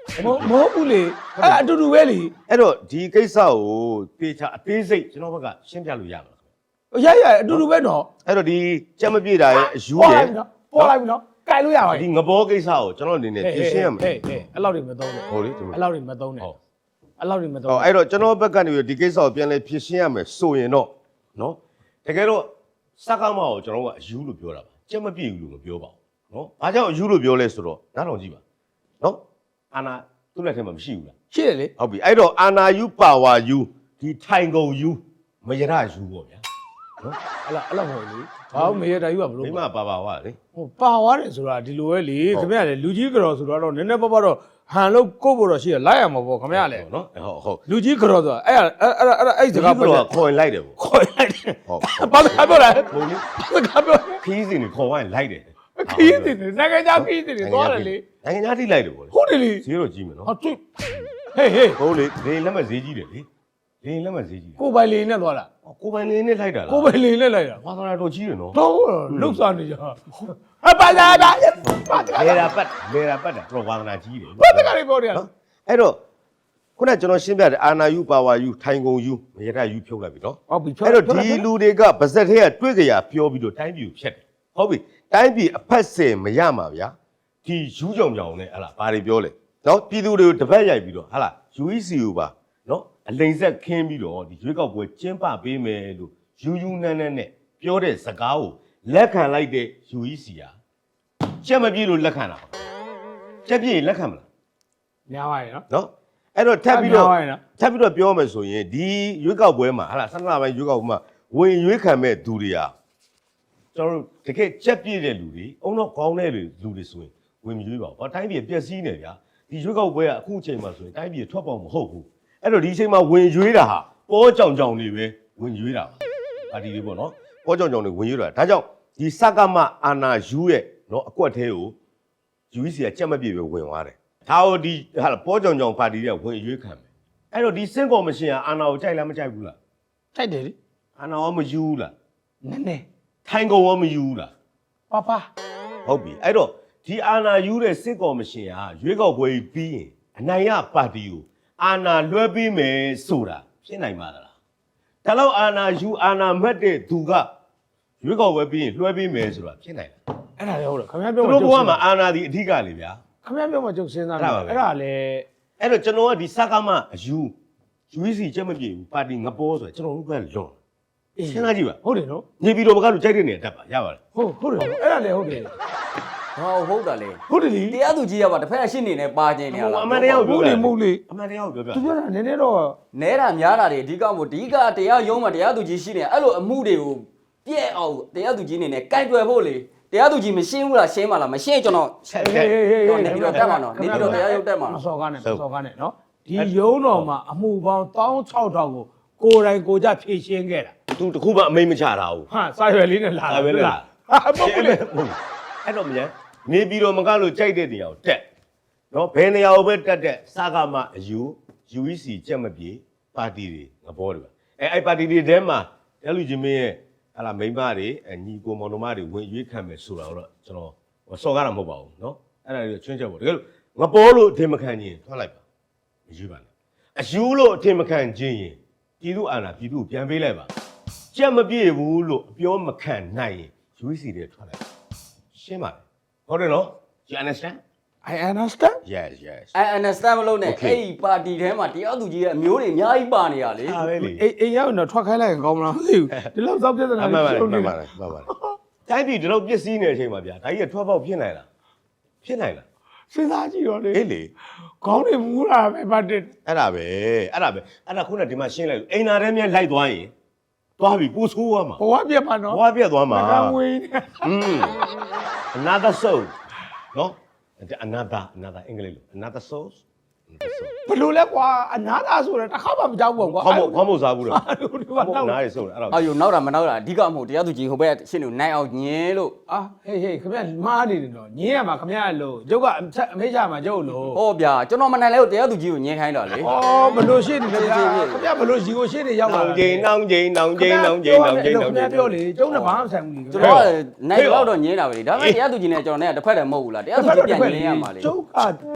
[SPEAKER 2] မမဟုတ်ဘူးလေအဲ့အတူတူပဲလေ
[SPEAKER 1] အဲ့တော့ဒီကိစ္စကိုတေချာအသေးစိတ်ကျွန်တော်ဘက်ကရှင်းပြလို့ရမှာလား
[SPEAKER 2] ရရအတူတူပဲနော်
[SPEAKER 1] အဲ့တော့ဒီကြက်မပြေတာရဲ့အယူ
[SPEAKER 2] ပေါ်
[SPEAKER 1] ရဲ့
[SPEAKER 2] လိုက်ပြီနော်ပေါ်လိုက်ပြီနော်ကြိုင်လို့ရပါ
[SPEAKER 1] ဒီ
[SPEAKER 2] ပြီ
[SPEAKER 1] ငဘောကိစ္စကိုကျွန်တော်အနေနဲ့ပြင်ရှင်းရမယ်
[SPEAKER 2] ဟေးဟေးအဲ့လောက်တွေမသုံးနဲ့
[SPEAKER 1] ဟုတ်လေဒီ
[SPEAKER 2] အဲ့လောက်တွေမသုံးနဲ့
[SPEAKER 1] ဟုတ်
[SPEAKER 2] အဲ့လောက်တွေမသုံး
[SPEAKER 1] ဟောအဲ့တော့ကျွန်တော်ဘက်ကနေပြီးဒီကိစ္စကိုပြန်လဲပြင်ရှင်းရမယ်ဆိုရင်တော့နော်တကယ်တော့စကားမကိုကျွန်တော်ကအယူလို့ပြောတာပါကြက်မပြေဘူးလို့မပြောပါဘူးနော်ဘာကြောင့်အယူလို့ပြောလဲဆိုတော့နားထောင်ကြည့်ပါနော်အာနာသူ့လက်ထဲမှာမရှိဘူးလား
[SPEAKER 2] ရှိတယ်လေ
[SPEAKER 1] ဟုတ်ပြီအဲ့တော့အာနာယူပါဝါယူဒီထိုင်ကုန်ယူမရရယူပေါ့ဗျာနော်
[SPEAKER 2] အဲ့လောက်အဲ့လောက်မဟုတ်လေဘာလို့မေရတာယူကဘလို့
[SPEAKER 1] မိမပါပါဝါလေ
[SPEAKER 2] ဟိုပါသွားတယ်ဆိုတာဒီလိုပဲလေခင်ဗျာလေလူကြီးကြော်ဆိုတော့နည်းနည်းပေါ့ပေါ့တော့ဟန်လို့ကို့ဖို့တော့ရှိရလိုက်ရမှာပေါ့ခင်ဗျာလေ
[SPEAKER 1] နော်ဟုတ်ဟုတ်
[SPEAKER 2] လူကြီးကြော်ဆိုတာအဲ့အဲ့အဲ့အဲ့အဲ့စကား
[SPEAKER 1] ဒီ
[SPEAKER 2] ပြော
[SPEAKER 1] ကတော့ခေါ်ရင်လိုက်တယ်ပေါ့
[SPEAKER 2] ခေါ်လိုက်တယ်
[SPEAKER 1] ဟုတ်
[SPEAKER 2] ဘာစကားပြောလဲ
[SPEAKER 1] ဟုတ်လေ
[SPEAKER 2] ဘာစကားပြော
[SPEAKER 1] ခီးစင်ကိုခေါ်ရင်လိုက်တယ်
[SPEAKER 2] ခီးတယ်နိုင်ငံသားခီးတယ်သွားတယ်လေ
[SPEAKER 1] နိုင်ငံသားထိလိုက်တယ်ပေါ့လေ
[SPEAKER 2] ဟုတ်တယ်လေ
[SPEAKER 1] ဈေးတော့ကြီးမယ်နော်
[SPEAKER 2] ဟာတွေ့ဟေးဟေး
[SPEAKER 1] ဟုတ်လေဒင်းလက်မဈေးကြီးတယ်လေဒင်းလက်မဈေးကြီးတယ်
[SPEAKER 2] ကိုပိုင်လေးနဲ့သွားတာ
[SPEAKER 1] ကိုပိုင်နေနဲ့လိုက်တာလား
[SPEAKER 2] ကိုပိုင်လေးနဲ့လိုက်တာ
[SPEAKER 1] ဝါသနာတော်ကြီးတယ်နော်
[SPEAKER 2] တော့လှုပ်ရှားနေကြဟာပါလာပါပါတ
[SPEAKER 1] လေရာပတ်လေရာပတ်တာတော့ဝါသနာကြီးတယ်
[SPEAKER 2] ဘာတကယ်ပြောတယ်
[SPEAKER 1] နော်အဲ့တော့ခုနကကျွန်တော်ရှင်းပြတယ်အာနာယူပါဝါယူထိုင်ကုန်ယူမရရယူဖြုတ်လိုက်ပြီနော်
[SPEAKER 2] ဟုတ်ပြီ
[SPEAKER 1] အဲ့တော့ဒီလူတွေကဗစက်ထဲကတွေ့ကြရပြောပြီးတော့တိုင်းပြည်ကိုဖျက်တယ်ဟုတ်ပြီတိုင်းပြည်အဖက်စင်မရမှာဗျာဒီယူကြောင်ကြောင်နဲ့ဟလာဘာတွေပြောလဲနော်ပြည်သူတွေကိုတပတ်ရိုက်ပြီးတော့ဟလာ ယူ အီ စီ ကိုပါနော်အလိန်ဆက်ခင်းပြီးတော့ဒီရွေးကောက်ပွဲကျင်းပပေးမယ်လို့ယူယူနန်းနန်းနဲ့ပြောတဲ့စကားကိုလက်ခံလိုက်တဲ့ ယူ အီ စီ ဟာချက်မပြေလို့လက်ခံတာပါချက်ပြေလက်ခံမလား
[SPEAKER 2] များပါရဲ့နော်
[SPEAKER 1] နော်အဲ့တော့ထပ်ပြီးတော့
[SPEAKER 2] များပါရဲ့နော်
[SPEAKER 1] ထပ်ပြီးတော့ပြောမယ်ဆိုရင်ဒီရွေးကောက်ပွဲမှာဟာလားဆန္ဒပိုင်းရွေးကောက်ပွဲမှာဝင်ရွေးခံမဲ့သူတွေဟာကျွန်တော်တို့တကယ်ချက်ပြည့်တဲ့လူတွေအုံတော့ခေါင်းတဲ့လူတွေဆိုရင်ဝင်မရွေးပါဘူး။ဘာတိုင်းပြည်ပျက်စီးနေဗျာဒီရွေးကောက်ပွဲကအခုအချိန်မှာဆိုရင်တိုင်းပြည်ထွက်ပေါက်မဟုတ်ဘူး။အဲ့တော့ဒီအချိန်မှာဝင်ရွေးတာဟာပေါ်ကြောင်ကြောင်တွေပဲဝင်ရွေးတာပါ။ပါတီတွေပေါ့နော်။ပေါ်ကြောင်ကြောင်တွေဝင်ရွေးတာဒါကြောင့်ဒီစကမအာနာယူရဲ့နော်အကွက်သေးကို ယူ အီ စီ ကကြက်မပြေပဲဝင်သွားတယ်။ဒါဟိုဒီဟာပေါ်ကြောင်ကြောင်ပါတီတွေကဝင်ရွေးခံမယ်။အဲ့တော့ဒီစင်ကော်မရှင်ကအာနာကိုကြိုက်လားမကြိုက်ဘူးလား
[SPEAKER 2] တိုက်တယ်လေ
[SPEAKER 1] ။အာနာရောမယူဘူးလား
[SPEAKER 2] နည်းနည်း
[SPEAKER 1] ။ထိုင်ကုန်ရောမယူဘူးလား
[SPEAKER 2] ပါပါ
[SPEAKER 1] ။ဟုတ်ပြီ။အဲ့တော့ဒီအာနာယူတဲ့စင်ကော်မရှင်ကရွေးကောက်ပွဲပြီးရင်အနိုင်ရပါတီကိုအာနာလွှဲပေးမယ်ဆိုတာဖြစ်နိုင်ပါသလား။ဒါတော့အာနာယူအာနာမှတ်တဲ့သူကရွေးကောက်ပွဲပြီးရင်လွှဲပေးမယ်ဆိုတာဖြစ်နိုင်လား
[SPEAKER 2] အဲ့ဒါလည်းဟုတ်တယ်ခင်ဗျား
[SPEAKER 1] ။
[SPEAKER 2] ပြော
[SPEAKER 1] သူတို့ဘဝမှာအာနာဒီအဓိကလေဗျာ။
[SPEAKER 2] ခင်ဗျားပြောမှကျုပ်စဉ်းစား
[SPEAKER 1] အဲ့
[SPEAKER 2] တယ်
[SPEAKER 1] ဒါပါပဲ
[SPEAKER 2] အဲ့ဒါလည်း
[SPEAKER 1] အဲ့တော့ကျွန်တော်ကဒီစကားမအယူ ယူ အီ စီ ချက်မပြေဘူးပါတီငပေါ်ဆိုကျွန်တော်တို့ကလွန်စဉ်းစားကြည့်ပါ
[SPEAKER 2] ဟုတ်တယ်နော်
[SPEAKER 1] နေပြည်တော်ဘက်ကလူကြိုက်တဲ့နေရာတက်ပါရပါတယ်
[SPEAKER 2] ဟုတ်ဟုတ်တယ်အဲ့ဒါလည်းဟုတ်တယ်
[SPEAKER 3] ဟောဟုတ်တာလေ
[SPEAKER 2] ဟုတ်တယ်လေ
[SPEAKER 3] တရားသူကြီးကပါတစ်ဖက်ကရှင်းနေနေပါခြင်းနေရလား
[SPEAKER 1] အမှန်တရားကို
[SPEAKER 2] မု
[SPEAKER 1] ပြော
[SPEAKER 2] တ်လေမုတ်လေ
[SPEAKER 1] အမှန်တရားကိုပြောပြ
[SPEAKER 2] သူပြောတာနည်းနည်းတော့
[SPEAKER 3] နဲတာများတာတွေအဓိကမို့အဓိကတရားရုံးမှာတရားသူကြီးရှိနေအဲ့လိုအမှုတွေကိုပြည့်အောင်တရားသူကြီးနေနဲ့ကြိုက်တွယ်ဖို့လေတရားသူကြီးမရှင်းဘူးလားရှင်းပါလားမရှင်းကျွန်တော်
[SPEAKER 1] ချက်
[SPEAKER 2] ဟေး
[SPEAKER 1] ချက်
[SPEAKER 2] ဟေးဟေး
[SPEAKER 3] တော့နေပြီးတော့တက်မှာနော်နေပြီးတော့တရားရုံးတက်မှာ
[SPEAKER 2] မ
[SPEAKER 3] နော်
[SPEAKER 2] စော်ကားနဲ့မစော်ကားနဲ့နော်ဒီရုံးတော်မှာအမှုပေါင်း၁၆ထောင်ကိုကိုယ်တိုင်ကိုကြဖြည့်ရှင်းခဲ့တာ
[SPEAKER 1] သူတခုမှအမိန်မချတာဘူး
[SPEAKER 2] ဟာစာရွယ်လေးနဲ့လာ
[SPEAKER 1] ဒါပဲလေ
[SPEAKER 2] ဟာမဟုတ်ဘူးလေ
[SPEAKER 1] အဲ့တော့မလဲနေပြည်တော်မကလို့ကြိုက်တဲ့နေရာကိုတက်နော်ဘယ်နေရာကိုပဲတက်တက်စကားမအယူ ယူ အီ စီ ချက်မပြေပါတီတွေငပေါ်တွေပါအဲအဲ့ပါတီတွေထဲမှာတဲလူချင်းမင်းရဲ့ဟာလာမိန်းမတွေအညီကိုမောင်နှမတွေဝင်ရွေးခံမယ်ဆိုတာတော့ကျွန်တော်စော်ကားတာမဟုတ်ပါဘူးနော်အဲ့ဒါတွေချွင်းချက်ပေါ့တကယ်လို့ငပေါ်လို့အထင်မခံခြင်းထွက်လိုက်ပါမယူပါနဲ့အယူလို့အထင်မခံခြင်းရင်ပြည်သူအာဏာပြည်သူကိုပြန်ပေးလိုက်ပါချက်မပြေဘူးလို့အပြောမခံနိုင်ရင် ယူ အီ စီ တွေထွက်လိုက်ရှင်းပါတယ်ဟုတ်တယ်နော် you understand
[SPEAKER 2] I understand
[SPEAKER 1] yes yes
[SPEAKER 3] I understand မလို့နဲ့
[SPEAKER 1] Okay.
[SPEAKER 3] အဲ့ဒီပါတီထဲမှာတရားသူကြီးရဲ့အမျိုးတွေအများကြီးပါနေရလေ
[SPEAKER 1] အားပဲလေ
[SPEAKER 2] အိမ်အိမ်ရောက်ရင်တော့ထွက်ခိုင်းလိုက်ရင်ကောင်းမလားမသိဘူးဒီလောက်စောက်ပြဿနာ
[SPEAKER 1] အမှန်ပါလေ
[SPEAKER 2] ရှုံး
[SPEAKER 1] မှ
[SPEAKER 2] နေ
[SPEAKER 1] န်ပါ
[SPEAKER 2] တာ
[SPEAKER 1] လေမှန်ပါလေတိုင်းပြည်ဒီလောက်ပျက်စီးနေတဲ့အချိန်မှာဗျာဒါကြီးကထွက်ပေါက်ဖြစ်နိုင်လားဖြစ်နိုင်လား
[SPEAKER 2] စဉ်းစားကြည့်တော့လေ
[SPEAKER 1] အေးလေ
[SPEAKER 2] ခေါင်းတွေမူးတာပဲပတ်တယ်
[SPEAKER 1] အဲ့ဒါပဲအဲ့ဒါပဲအဲ့ဒါခုနကဒီမှာရှင်းလိုက်လို့အိမ်နာထဲမြဲလိုက်သွားရင်သွားပြီပို့ဆိုးသွားမှာ
[SPEAKER 2] ဘဝပြတ်ပါနော်
[SPEAKER 1] ဘွားပြက်သွားမှာ
[SPEAKER 2] ကံဝေးနေ
[SPEAKER 1] อืม another soul နော် another another အင်္ဂလိပ်လို another soul
[SPEAKER 2] ဘလို့လဲကွာအနာသာဆိုတော့တစ်ခါမှမကြောက်ဘူးကွာ
[SPEAKER 1] ခေါင်းမို့ခေါင်းမို့စားဘူးလား
[SPEAKER 2] အဲ့လိုဒီမှာ
[SPEAKER 1] ခေါင်း
[SPEAKER 2] တော့
[SPEAKER 1] မို့နားရဆိုးတယ်အဲ့ဒါ
[SPEAKER 3] အော်ယူနောက်တာမနောက်တာအဓိကမို့တရားသူကြီးဟိုဘက်ရှင်းနေနိုင်အောင်ညင်းလို့
[SPEAKER 2] အာဟေးဟေးခင်ဗျမားနေတယ်တော့ညင်းရမှာခင်ဗျလို့ကျုပ်ကအမေးချမှာကျုပ်လို့
[SPEAKER 3] ဟောဗျာကျွန်တော်မနိုင်လဲကိုတရားသူကြီးကိုညင်းခိုင်းတော့လေ
[SPEAKER 2] ဩဘလို့ရှိနေလဲဗျာခင်ဗျဘလို့ရီကိုရှိနေရောက်လာ
[SPEAKER 1] နောင်ကျင်းနောင်ကျင်းနောင်ကျင်းနောင်ကျင်းနောင်ကျင်းနောင်ကျင်း
[SPEAKER 2] ပြောလေကျုပ်နဲ့ဘာမှဆိုင်ဘူးလေ
[SPEAKER 3] ကျွန်တော်ကနိုင်တော့တော့ညင်းတာပဲလေဒါပေမဲ့တရားသူကြီးနဲ့ကျွန်တော်နဲ့တစ်ဖက်တည်းမဟုတ်ဘူးလားတရားသူကြီးပြန်ညင်းရမှာလေ
[SPEAKER 2] ကျုပ်က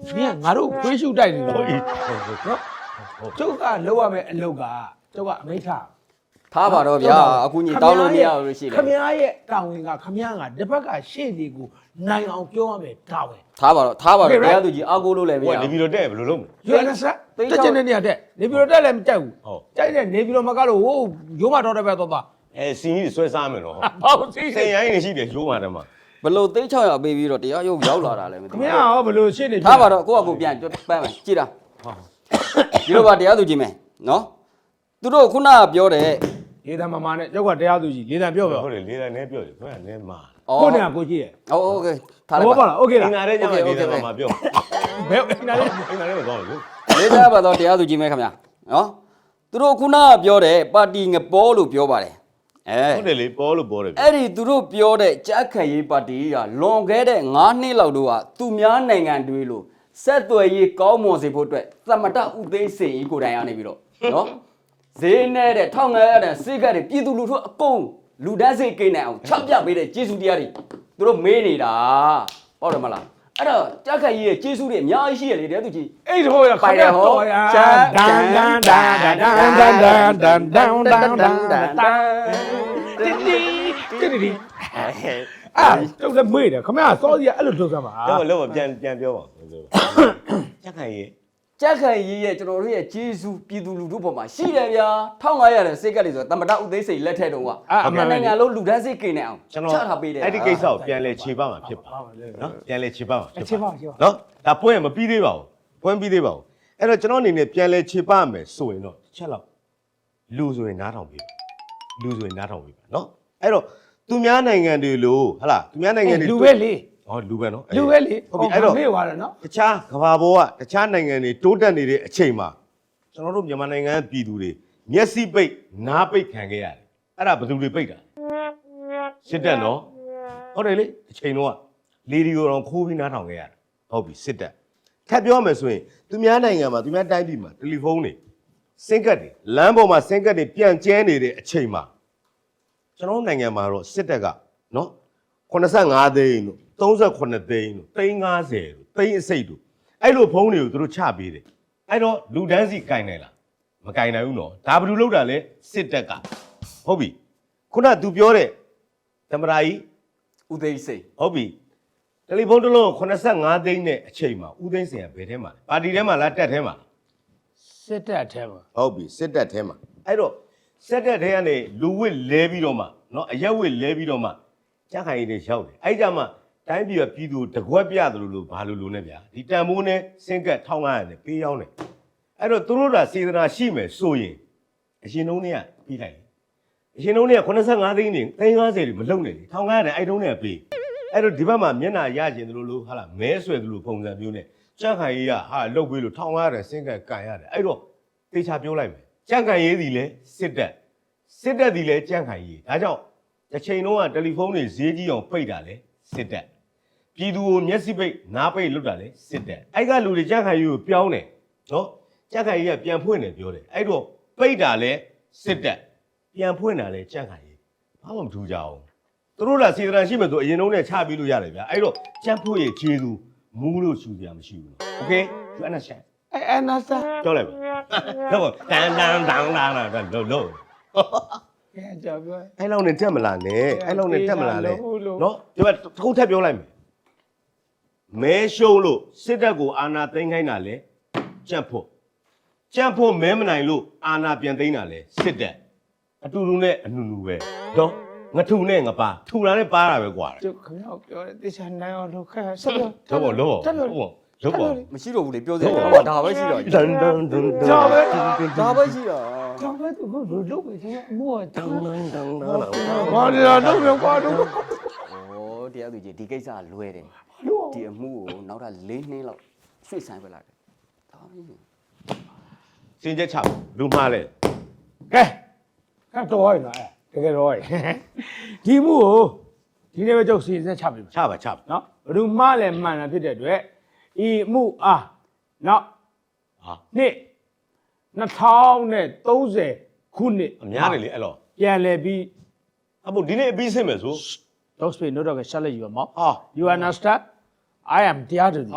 [SPEAKER 2] နင်ကငါတို့ခွေးရှုတိုက်နေ
[SPEAKER 1] ဟုတ်
[SPEAKER 2] လို့
[SPEAKER 1] ပြီ
[SPEAKER 2] နော်ကျုပ်ကလောက်ရမယ်အလုပ်ကကျုပ်ကအမိန့်ထား
[SPEAKER 3] ထားပါတော့ဗျာအခုညီတောင်းလို့မရဘူးရှိတယ်
[SPEAKER 2] ခမည်းရဲ့တာဝန်ကခမည်းကတစ်ဖက်ကရှေ့ဒီကိုနိုင်အောင်ပြောရမယ်တာဝန်
[SPEAKER 3] ထားပါတော့ထားပါတော့တရားသူကြီးအာကိုလို့လည်းမ
[SPEAKER 1] ဟို
[SPEAKER 2] à?
[SPEAKER 3] ရ
[SPEAKER 1] ကနေပြီးတော့တဲ့ဘယ်လိုလုပ်မလဲ
[SPEAKER 2] ယူအန်အက်စ်တက်ချင်တဲ့နေရာတက်နေပြီးတော့တက်လည်းမတက်ဘူးကြိုက်တဲ့နေပြီးတော့မကတော့ဟိုရိုးမတော်တဲ့ဘက်တော့သွား
[SPEAKER 1] အဲစီကြီးဆွဲစားမယ်နော်
[SPEAKER 2] ဟောစီ
[SPEAKER 1] စိန်ရိုင်းနေရှိတယ်ရိုးမှာတည်းမှာ
[SPEAKER 3] ဘလို့သိန်း၆ရာပေးပြီးတော့တရားရုပ်ရောက်လာတာလည်းမသိ
[SPEAKER 2] ခ
[SPEAKER 3] ဘူး
[SPEAKER 2] မည်းကရောဘယ်လိုရှေ့နေ
[SPEAKER 3] ထားပါတော့ကိုယ့်အကူပြန်ပန်းမယ်ကြည်တာဒီလိုပါတရားသူကြီးမယ်နော်သူတို့ခုနကပြောတဲ့
[SPEAKER 2] လေးတန်းမမနဲ့ကျုပ်ကတရားသူကြီးလေးတန်းပြောပြော
[SPEAKER 1] ဟုတ်တယ်လေးတိုင်းနဲ့ပြောတယ်ခွဲနဲ့မှာ
[SPEAKER 2] ကိုနေကကိုကြီးရဲ့
[SPEAKER 3] ဟုတ်โอเคထား
[SPEAKER 2] ဘာ
[SPEAKER 3] လိုက်
[SPEAKER 2] ပါ
[SPEAKER 3] ပါ
[SPEAKER 2] လားโอเค
[SPEAKER 1] အ
[SPEAKER 2] လား
[SPEAKER 1] င်္ဂါတဲ့ကြောင့်လေးတိုင်းမှာပြော
[SPEAKER 2] ဘယ်နားလဲ
[SPEAKER 1] အင်္ဂါတဲ့တော့လို့
[SPEAKER 3] လေးစားပါတော့တရားသူကြီးမယ်ခင်ဗျာနော်သူတို့ခုနကပြောတဲ့ပါတီငပေါ်လို့ပြောပါတယ်အဲ
[SPEAKER 1] ဟုတ်တယ်လေပေါ်လို့ပေါ်တယ်
[SPEAKER 3] အဲ့ဒီသူတို့ပြောတဲ့ကြားခံရေးပါတီကလွန်ခဲ့တဲ့၅နှစ်လောက်တော့ကသူများနိုင်ငံတွေလို့ဆက်သွယ်ရေးကောင်းမွန်စေဖို့အတွက်သမတဥသိမ်းစိန်ကြီးကိုယ်တိုင်ရနေပြီးတော့နော်ဈေးနဲ့တဲ့ထောင်ငယ်ရတဲ့စိတ်ကတ်တွေပြည်သူလူထုအကုန်လူတန်းစိတ်ကိန်းနိုင်အောင်ချပြပေးတဲ့ကျေးဇူးတရားတွေသူတို့မေးနေတာဟုတ်တယ်မလားအဲ့တော့ကြားခံရေးရဲ့ကျေးဇူးတွေအများကြီးရှိရလေတရားသူကြီး
[SPEAKER 2] အဲ့ဒီဟိုရခမည်းတော်ရဒန်ဒန်ဒန်ဒန်ဒန်ဒန်ဒန်ဒန်ဒန်ဒန်ဒန်ဒန်တီတီတီတီအာကျုပ်လည်းမေ့တယ်ခမည်းကစောစီကအဲ့လိုလုပ်စမ်းပါ
[SPEAKER 1] တော့လို့ပြန်ပြန်ပြောပါချက်ခိုင်ရေး
[SPEAKER 3] ကြားခံရေးရဲ့ကျွန်တော်တို့ရဲ့ကျေးဇူးပြည်သူလူထုပေါ်မှာရှိတယ်ဗျာ၁၅၀၀တဲ့စိတ်ကတ်တွေဆိုသမတဥသိမ်းစိန်လက်ထက်တုန်းကအမှန်နိုင်ငံလုံးလူတန်းစိတ်ကိန်းနိုင်အောင်
[SPEAKER 1] ကျွန်တော်
[SPEAKER 3] ချထားပေးတယ်
[SPEAKER 1] အဲ့ဒီကိစ္စကိုပြန်လဲခြေပမှာဖြစ်ပါနော်ပြန်လဲခြေပမှာ
[SPEAKER 2] ချစ်ပါချစ်ပါ
[SPEAKER 1] နော်ဒါပွင့်မပြီးသေးပါဘူးပွင့်ပြီးသေးပါဘူးအဲ့တော့ကျွန်တော်အနေနဲ့ပြန်လဲခြေပမယ်ဆိုရင်တော့ချက်လောက်လူဆိုရင်နားထောင်ပြီလူဆိုရင်နားထောင်ပြီနော်အဲ့တော့သူများနိုင်ငံတွေလို့ဟလာသူများနိုင်ငံတွေ
[SPEAKER 2] လူပဲလေ
[SPEAKER 1] ဟောလူပဲနော်
[SPEAKER 2] လူပဲလေ
[SPEAKER 1] ဟုတ်ပြီအဲ့တော့
[SPEAKER 2] မေ့သွားတယ်နော်
[SPEAKER 1] တခြားကမ္ဘာပေါ်ကတခြားနိုင်ငံတွေတိုးတက်နေတဲ့အချိန်မှာကျွန်တော်တို့မြန်မာနိုင်ငံပြည်သူတွေမျက်စိပိတ်နားပိတ်ခံခဲ့ရတယ်အဲ့ဒါဘယ်သူတွေပိတ်တာစစ်တပ်နော်ဟုတ်တယ်လေအချိန်တော့လေဒီကိုတော့ခိုးပြီးနားထောင်ခဲ့ရတယ်ဟုတ်ပြီစစ်တပ်ထပ်ပြောမယ်ဆိုရင်သူများနိုင်ငံမှာသူများတိုင်းပြည်မှာတယ်လီဖုန်းတွေစင်ကတ်တွေလမ်းပေါ်မှာစင်ကတ်တွေပြန့်ကျဲနေတဲ့အချိန်မှာကျွန်တော်နိုင်ငံမှာတော့စစ်တပ်ကနော်85သိန်းတို့38သိန်းတို့သိန်း50တို့သိန်းအစိတ်တို့အဲ့လိုဖုန်းတွေကိုသူတို့ချပေးတယ်အဲ့တော့လူတန်းစီကင်နိုင်လားမကင်နိုင်ဘူးနော်ဒါဘယ်လိုလုပ်တာလဲစစ်တပ်ကဟုတ်ပြီခုနက तू ပြောတဲ့သမရာကြီး
[SPEAKER 3] ဥသိမ်းစိန်
[SPEAKER 1] ဟုတ်ပြီတယ်လီဖုန်းတစ်လုံး85သိန်းနဲ့အချိန်မှာဦးသိန်းစင်ကဘယ်ထဲမှာလဲပါတီထဲမှာလားတက်ထဲမှာလား
[SPEAKER 2] စစ်တပ်အထဲမှာ
[SPEAKER 1] ဟုတ်ပြီစစ်တပ်ထဲမှာအဲ့တော့စစ်တပ်ထဲကနေလူဝစ်လဲပြီးတော့မှနော်အရက်ဝစ်လဲပြီးတော့မှကြားခိုင်ရည်တွေရောက်တယ်အဲ့ကြမှာတိုင်းပြည်ကပြည်သူတကွက်ပြတယ်လို့လို့ဘာလို့လို့နဲ့ဗျာဒီတန်မိုးနဲ့စင်ကတ်ထောင်းကားရတယ်ပေးရောက်တယ်အဲ့တော့သူတို့ကစေတနာရှိမယ်ဆိုရင်အရှင်လုံးတွေကပြီးလိုက်အရှင်လုံးတွေက85သိန်းနေသိန်း50တွေမလုံနဲ့လေထောင်းကားရတယ်အဲ့တုန်းတွေကပေးအဲ့တော့ဒီဘက်မှာမျက်နှာရကျင်တယ်လို့လို့ဟာလားမဲဆွဲတယ်လို့ပုံစံမျိုးနဲ့ကြန့်ခိုင်ရေးကဟာလုတ်ပေးလို့ထောင်းကားရတယ်စင်ကတ်ကန်ရတယ်အဲ့တော့တေချာပြောလိုက်မယ်ကြန့်ခိုင်ရေးသည်လဲစစ်တပ်စစ်တပ်သည်လဲကြန့်ခိုင်ရေးဒါကြောင့်တစ်ချိန်လုံးကတယ်လီဖုန်းတွေဈေးကြီးအောင်ပိတ်တာလဲစစ်တပ်ပြည်သူကိုမျက်စိပိတ်နားပိတ်လုပ်တာလဲစစ်တပ်အဲ့ကလူတွေကြန့်ခိုင်ရေးကိုပြောင်းတယ်နော်ကြန့်ခိုင်ရေးကပြန်ဖွင့်တယ်ပြောတယ်အဲ့တော့ပိတ်တာလဲစစ်တပ်ပြန်ဖွင့်တာလဲကြန့်ခိုင်ရေးဘာမှမထူးကြအောင်သူတို့ကစေတနာရှိမှဆိုအရင်တုန်းကချပြီးလို့ရတယ်ဗျာအဲ့တော့ကြန့်ဖို့ရဲ့ခြေသူမူးလို့ရှူစရာမရှိဘူးနော်โอเค you understand
[SPEAKER 2] အဲအနာစာ
[SPEAKER 1] ပြောလိုက်ပါတော့တန်တန်တန်လာလာလို့လို့
[SPEAKER 2] ကဲကြောက်ပြော
[SPEAKER 1] အဲ့လောက်နဲ့တက်မလာနဲ့အဲ့လောက်နဲ့တက်မလာနဲ့နော်ဒီမှာတစ်ခုထပ်ပြောလိုက်မယ်မဲရှုံးလို့စစ်တပ်ကိုအာဏာသိမ်းခိုင်းတာလဲကြန့်ဖို့ကြန့်ဖို့မဲမနိုင်လို့အာဏာပြန်သိမ်းတာလဲစစ်တပ်အတူတူနဲ့အနူနူပဲနော်ငထူနဲ့ငပါထူတာနဲ့ပါတာပဲကွာ
[SPEAKER 2] ကျုပ်ခင်ဗျားပြောတယ်တေချာနိုင်အောင်လုပ်ခဲ့ဆက်ပြော
[SPEAKER 1] တော့ဘောလောဘောလောဘော
[SPEAKER 3] မရှိတော့ဘူးလေပြောစရာတော့ဒါပဲရှိတော့
[SPEAKER 1] တန်တန်တန်
[SPEAKER 2] ကြောက်ပဲ
[SPEAKER 3] ဒါပဲရှိတော့
[SPEAKER 2] ကြောက်ပဲသူကလုပ်ပဲဒီအမိုးတ
[SPEAKER 1] တန်
[SPEAKER 2] န်း
[SPEAKER 1] တန်တန်
[SPEAKER 2] ဘာလဲတော့ပြောကွာတော့
[SPEAKER 3] ဩတရားသူကြီးဒီကိစ္စကလွဲတယ်ဒီအမှုကိုနောက်ထပ်၄နှစ်လောက်ရွှေ့ဆိုင်ပဲလာတယ်ဒါပဲ
[SPEAKER 1] စင်ချက်ချလူမှားလဲ
[SPEAKER 2] ကဲကတော့ရလားတကယ်တော့ဒီမှုကိုဒီနေ့ပဲကျုပ်စီစဉ်ချပြီ
[SPEAKER 1] ချပါချပါ
[SPEAKER 2] နော်ဘယ်သူမှလည်းမှန်တာဖြစ်တဲ့အတွက်ဤမှုအားနော်
[SPEAKER 1] ဟာ
[SPEAKER 2] နှစ်နှစ်ထောင်သုံးဆယ်ခုနှစ်
[SPEAKER 1] အများတယ်လေအဲ့တော့
[SPEAKER 2] ပြန်လဲပြီး
[SPEAKER 1] အမို့ဒီနေ့အပြီးဆင်းမယ်ဆို
[SPEAKER 2] don't speak no dog shall you မော
[SPEAKER 1] ဟာ
[SPEAKER 2] you understand I am တရားသူ
[SPEAKER 1] ဟာ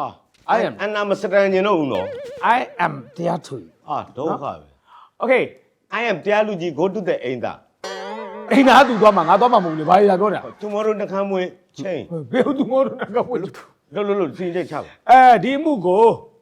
[SPEAKER 2] I am
[SPEAKER 1] အနာမစတန်ကျင်တော့ဦးနော်
[SPEAKER 2] I am တရားသူ
[SPEAKER 1] အာဒုက္ခပဲ
[SPEAKER 2] Okay
[SPEAKER 1] I am တရားလူကြီး go to the အိမ်သာ
[SPEAKER 2] အိမ်သားသူသွားမှာငါသွားမှာမဟုတ်ဘူးလေဘာလဲပြောနေတာ
[SPEAKER 1] tomorrow နှခမ်းမွေးချိန်
[SPEAKER 2] ဘယ်သူငိုတော့ကဘယ်လို
[SPEAKER 1] လို့လို့လို့စီးချက်ချပါ
[SPEAKER 2] အဲဒီမှုကို